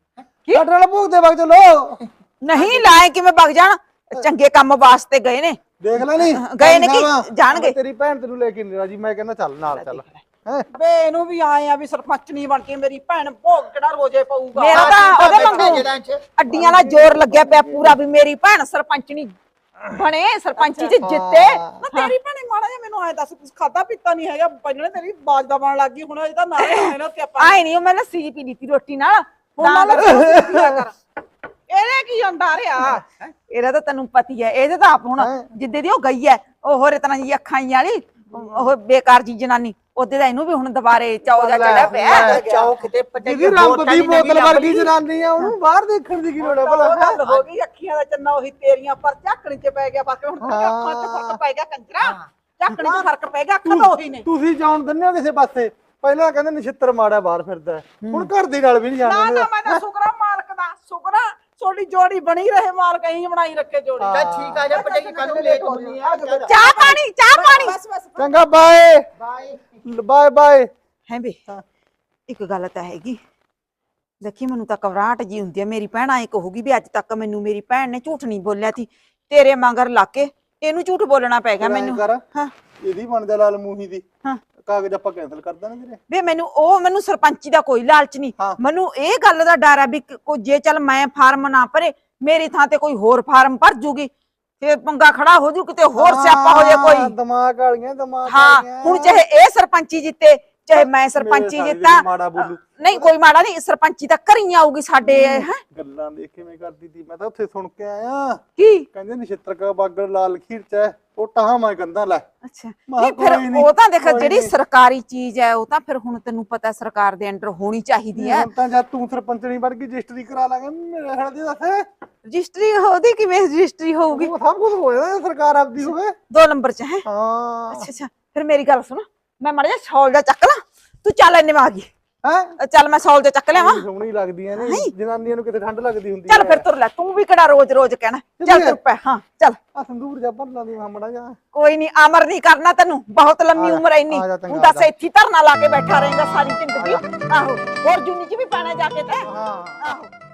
Speaker 2: ਸਾਡੇ ਨਾਲ ਭੋਗ ਤੇ ਵਗ ਚਲੋ।
Speaker 1: ਨਹੀਂ ਲਾਏ ਕਿਵੇਂ ਵਗ ਜਾਣ, ਚੰਗੇ ਕੰਮ ਵਾਸਤੇ ਗਏ ਨੇ।
Speaker 2: ਦੇਖ ਲੈ ਨਹੀਂ
Speaker 1: ਗਏ ਨੇ ਕਿ ਜਾਣਗੇ।
Speaker 2: ਤੇਰੀ ਭੈਣ ਤੈਨੂੰ ਲੈ ਕੇ ਨਹੀਂ ਰਾਜੀ, ਮੈਂ ਕਹਿੰਦਾ ਚੱਲ ਨਾਲ ਚੱਲ ਹੈ।
Speaker 4: ਵੇ ਇਹਨੂੰ ਵੀ ਆਏ ਆ ਵੀ ਸਰਪੰਚ ਨਹੀਂ ਬਣ ਕੇ ਮੇਰੀ ਭੈਣ ਭੋਗ ਕਿਹੜਾ ਰੋਜੇ ਪਊਗਾ।
Speaker 1: ਮੇਰਾ ਤਾਂ ਉਹਦੇ ਵਾਂਗੂ ਅੱਡੀਆਂ ਨਾਲ ਜ਼ੋਰ ਲੱਗਿਆ ਪਿਆ ਪੂਰਾ ਵੀ ਮੇਰੀ ਭੈਣ ਸਰਪੰਚਣੀ ਬਣੇ, ਸਰਪੰਚੀ ਚ ਜਿੱਤੇ।
Speaker 4: ਨਾ ਤੇਰੀ ਭੈਣੇ ਮਾੜਾ ਜਿਹਾ ਮੈਨੂੰ ਆਏ ਦੱਸ, ਕੁਝ ਖਾਦਾ ਪੀਤਾ ਨਹੀਂ ਹੈਗਾ, ਪਹਿਲਾਂ ਤੇਰੀ ਬਾਜ ਦਾ ਬਣ ਲੱਗ ਗਈ, ਹੁਣ ਇਹਦਾ ਨਾਲ ਹੈ ਨਾ ਤੇ ਆਪਾਂ
Speaker 1: ਆਏ ਨਹੀਂ, ਉਹ ਮੈਂ ਲੱਸੀ ਪੀ ਲਈ ਤੀ ਰੋਟੀ ਨਾਲ।
Speaker 4: ਹੁਣ ਨਾਲ ਪੀਆ ਕਰ। ਇਹਨੇ ਕੀ ਹੁੰਦਾ ਰਿਹਾ।
Speaker 1: ਇਹਦਾ ਤਾਂ ਤੈਨੂੰ ਪਤੀ ਹੈ, ਇਹਦੇ ਤਾਂ ਆਪ ਹੁਣ ਜਿੱਦੇ ਦੀ ਉਹ ਗਈ ਹੈ ਉਹ ਹੋਰ ਇਤਨਾ ਜੀ ਅੱਖਾਂ ਹੀ ਵਾਲੀ ਉਹ ਬੇਕਾਰ ਜੀ ਜਨਾਨੀ, ਉਹਦੇ ਦਾ ਇਹਨੂੰ ਵੀ ਹੁਣ ਦੁਬਾਰੇ ਚਾਉ ਜਾ ਚੜਿਆ ਪਿਆ।
Speaker 3: ਚਾਉ ਕਿਤੇ ਭਰਜਾਈ
Speaker 2: ਜਿਹਦੀ ਰੰਬ ਦੀ ਬੋਤਲ ਵਰਗੀ ਜਨਾਨੀ ਆ ਉਹਨੂੰ ਬਾਹਰ ਦੇਖਣ ਦੀ ਕੀ ਲੋੜ ਹੈ ਭਲਾ।
Speaker 4: ਗੱਲ ਹੋ ਗਈ ਅੱਖੀਆਂ ਦਾ ਚੰਨਾ ਉਹੀ ਤੇਰੀਆਂ, ਪਰ ਝਾਕਣੀ ਚ ਪੈ ਗਿਆ ਬਸ। ਹੁਣ ਤੇਰੀਆਂ ਅੱਖਾਂ ਚ ਫਰਕ ਪੈ ਗਿਆ ਕੰਜਰਾ, ਝਾਕਣੀ ਚ ਫਰਕ ਪੈ ਗਿਆ, ਅੱਖਾਂ ਤਾਂ ਉਹੀ ਨੇ।
Speaker 2: ਤੁਸੀਂ ਜਾਣ ਦਿੰਦੇ ਹੋ ਕਿਸੇ ਪਾਸੇ। ਪਹਿਲਾਂ ਕਹਿੰਦੇ ਨਛਿੱਤਰ ਮਾੜਾ ਬਾਹਰ ਫਿਰਦਾ, ਹੁਣ ਘਰ ਦੀ ਗੱਲ ਵੀ ਨਹੀਂ
Speaker 4: ਨਾ
Speaker 2: ਜਾਣਦੇ।
Speaker 4: ਨਾ ਮੈਂ ਤਾਂ ਸ਼ੁਕਰਾ ਮਾਲਕ ਦਾ, ਸ਼ੁਕਰਾ ਤੁਹਾਡੀ ਜੋੜੀ ਬਣੀ ਰਹੇ, ਮਾਲਕ ਇਹੀ ਬਣਾਈ ਰੱਖੇ ਜੋੜੀ।
Speaker 3: ਚੱਲ ਠੀਕ ਆ ਜਾ ਭਰਜਾਈ, ਕੱਲ ਨੂੰ ਲੇਟ ਹੋਣੀ ਆ।
Speaker 1: ਚਾਹ ਪਾਣੀ, ਚਾਹ ਪਾਣੀ।
Speaker 4: ਬਸ ਬਸ
Speaker 2: ਚੰਗਾ ਬਾਏ
Speaker 3: ਬਾਏ।
Speaker 2: Bye bye.
Speaker 1: ਹੈ ਬੇ ਇੱਕ ਗੱਲ ਤਾਂ ਹੈਗੀ, ਦੇਖੀ ਮੈਨੂੰ ਤਾਂ ਘਬਰਾਹਟ ਜੀ ਹੁੰਦੀ ਹੈ। ਮੇਰੀ ਭੈਣ ਐ ਕਹੂਗੀ ਵੀ ਅੱਜ ਤੱਕ ਮੈਨੂੰ ਮੇਰੀ ਭੈਣ ਨੇ ਝੂਠ ਨਹੀਂ ਬੋਲਿਆ ਸੀ, ਤੇਰੇ ਮਗਰ ਲਾ ਕੇ ਇਹਨੂੰ ਝੂਠ ਬੋਲਣਾ ਪੈ ਗਿਆ ਮੈਨੂੰ। ਹਾਂ
Speaker 2: ਇਹਦੀ ਬਣ ਜਾ ਲਾਲ ਮੂਹੀ ਦੀ,
Speaker 1: ਹਾਂ
Speaker 2: ਕਾਗਜ਼ ਆਪਾਂ ਕੈਨਸਲ ਕਰ ਦਾਂਗੇ ਤੇਰੇ।
Speaker 1: ਵੇ ਮੈਨੂੰ ਸਰਪੰਚੀ ਦਾ ਕੋਈ ਲਾਲਚ ਨਹੀਂ,
Speaker 2: ਹਾਂ।
Speaker 1: ਮੈਨੂੰ ਇਹ ਗੱਲ ਦਾ ਡਰ ਹੈ ਵੀ ਜੇ ਚੱਲ ਮੈਂ ਫਾਰਮ ਨਾ ਭਰੇ, ਮੇਰੀ ਥਾਂ ਤੇ ਕੋਈ ਹੋਰ ਫਾਰਮ ਭਰ ਜੂਗੀ, ਫੇਰ ਪੰਗਾ ਖੜਾ ਹੋ ਜੂ, ਕਿਤੇ ਹੋਰ ਸਿਆਪਾ ਹੋ ਜਾਏ ਕੋਈ।
Speaker 2: ਦਿਮਾਗ ਵਾਲੀਆਂ ਦਿਮਾਗ
Speaker 1: ਹਾਂ
Speaker 2: ਵਾਲੀਆਂ।
Speaker 1: ਹੁਣ ਚਾਹੇ ਇਹ ਸਰਪੰਚੀ ਜਿੱਤੇ ਚਾਹੇ ਮੈਂ ਸਰਪੰਚੀ
Speaker 2: ਮੇਰੇ
Speaker 1: ਜਿੱਤਾਂ,
Speaker 2: ਮਾੜਾ ਬੋਲੂ।
Speaker 1: ਨਹੀਂ ਕੋਈ ਮਾੜਾ ਨਹੀਂ, ਸਰਪੰਚੀ ਤਾਂ ਘਰੀ ਆਊਗੀ ਸਾਡੇ। ਹੈ
Speaker 2: ਗੱਲਾਂ ਦੇਖ ਕਿਵੇਂ ਕਰਦੀ ਤੀ, ਮੈਂ ਤਾਂ ਉੱਥੇ ਸੁਣ ਕੇ ਆਇਆ।
Speaker 1: ਕੀ
Speaker 2: ਕਹਿੰਦੇ ਨਛਿੱਤਰ ਕਾ ਬਾਗੜ ਲਾਲ ਖੀਰ ਚ ਹੈ, ਉਹ ਟਾਹਾਂ ਮੈਂ ਕੰਦਾ ਲੈ।
Speaker 1: ਅੱਛਾ
Speaker 2: ਮੈਂ
Speaker 1: ਨਹੀਂ
Speaker 2: ਕਿਹਾ
Speaker 1: ਫਿਰ
Speaker 2: ਕੋਈ ਨੀ,
Speaker 1: ਉਹ ਤਾਂ ਦੇਖ
Speaker 2: ਕੋਈ
Speaker 1: ਜਿਹੜੀ
Speaker 2: ਨੀ।
Speaker 1: ਸਰਕਾਰੀ ਚੀਜ਼ ਹੈ ਉਹ ਤਾਂ ਫਿਰ ਹੁਣ ਤੈਨੂੰ ਪਤਾ ਸਰਕਾਰ ਦੇ ਅੰਡਰ ਹੋਣੀ ਚਾਹੀਦੀ ਹੈ।
Speaker 2: ਹੁਣ ਤਾਂ ਜਦ ਤੂੰ ਸਰਪੰਚਣੀ ਬਣ ਗਈ ਰਜਿਸਟਰੀ ਕਰਾ ਲਾਂਗੇ ਮੇਰੇ ਖਿਆਲ ਦੀ। ਦੱਸ
Speaker 1: ਰਜਿਸਟਰੀ ਉਹਦੀ ਕਿਵੇਂ ਰਜਿਸਟਰੀ ਹੋਊਗੀ?
Speaker 2: ਉਹ ਸਭ ਕੁਝ ਹੋ ਜਾਣਾ ਸਰਕਾਰ ਆਪਦੀ ਹੋਵੇ।
Speaker 1: 2 ਨੰਬਰ ਚ ਹੈ।
Speaker 2: ਹਾਂ
Speaker 1: ਅੱਛਾ ਅੱਛਾ ਫਿਰ ਮੇਰੀ ਗੱਲ ਸੁਣ, ਮੈਂ ਮਾੜਾ ਜਿਹਾ ਸ਼ੌਲ ਦਾ ਚੱਕ ਲਾਂ, ਤੂੰ ਚੱਲ ਇੰਨੇ ਮੈਂ ਆ ਗਈ।
Speaker 2: ਹੈ
Speaker 1: ਚੱਲ ਮੈਂ ਸ਼ੌਲ ਦਾ ਚੱਕ ਲਿਆਵਾਂ।
Speaker 2: ਸੋਹਣੀ ਲੱਗਦੀਆਂ ਨੇ ਜਨਾਨੀਆਂ ਨੂੰ, ਕਿਤੇ ਠੰਡ ਲੱਗਦੀ ਹੁੰਦੀ
Speaker 1: ਚੱਲ ਫਿਰ ਤੁਰ ਲੈ, ਤੂੰ ਵੀ ਕਿਹੜਾ ਰੋਜ਼ ਰੋਜ਼ ਕਹਿਣਾ। ਚੱਲ ਤੁਰ ਪੈ। ਹਾਂ ਚੱਲ
Speaker 2: ਆ ਸੰਦੂਰ ਜਾ ਭਰ ਲਾਂਦੀ ਮਾਮੜਾ ਜਾ।
Speaker 1: ਕੋਈ ਨਹੀਂ, ਅਮਰ ਨਹੀਂ ਕਰਨਾ ਤੈਨੂੰ, ਬਹੁਤ ਲੰਮੀ ਉਮਰ ਐ ਇੰਨੀ।
Speaker 2: ਆ ਜਾ, ਚੰਗਾ,
Speaker 1: ਤੂੰ ਦੱਸ
Speaker 2: ਆ ਜਾ।
Speaker 1: ਇੱਥੇ ਧਰਨਾ ਲਾ ਕੇ ਬੈਠਾ ਰਹੇਗਾ ਸਾਰੀ ਜ਼ਿੰਦਗੀ। ਆਹੋ ਹੋਰ ਜੂਨੀ ਚ ਵੀ ਪਾਣਾ ਜਾ ਕੇ ਤੇ।
Speaker 2: ਹਾਂ
Speaker 1: ਆਹੋ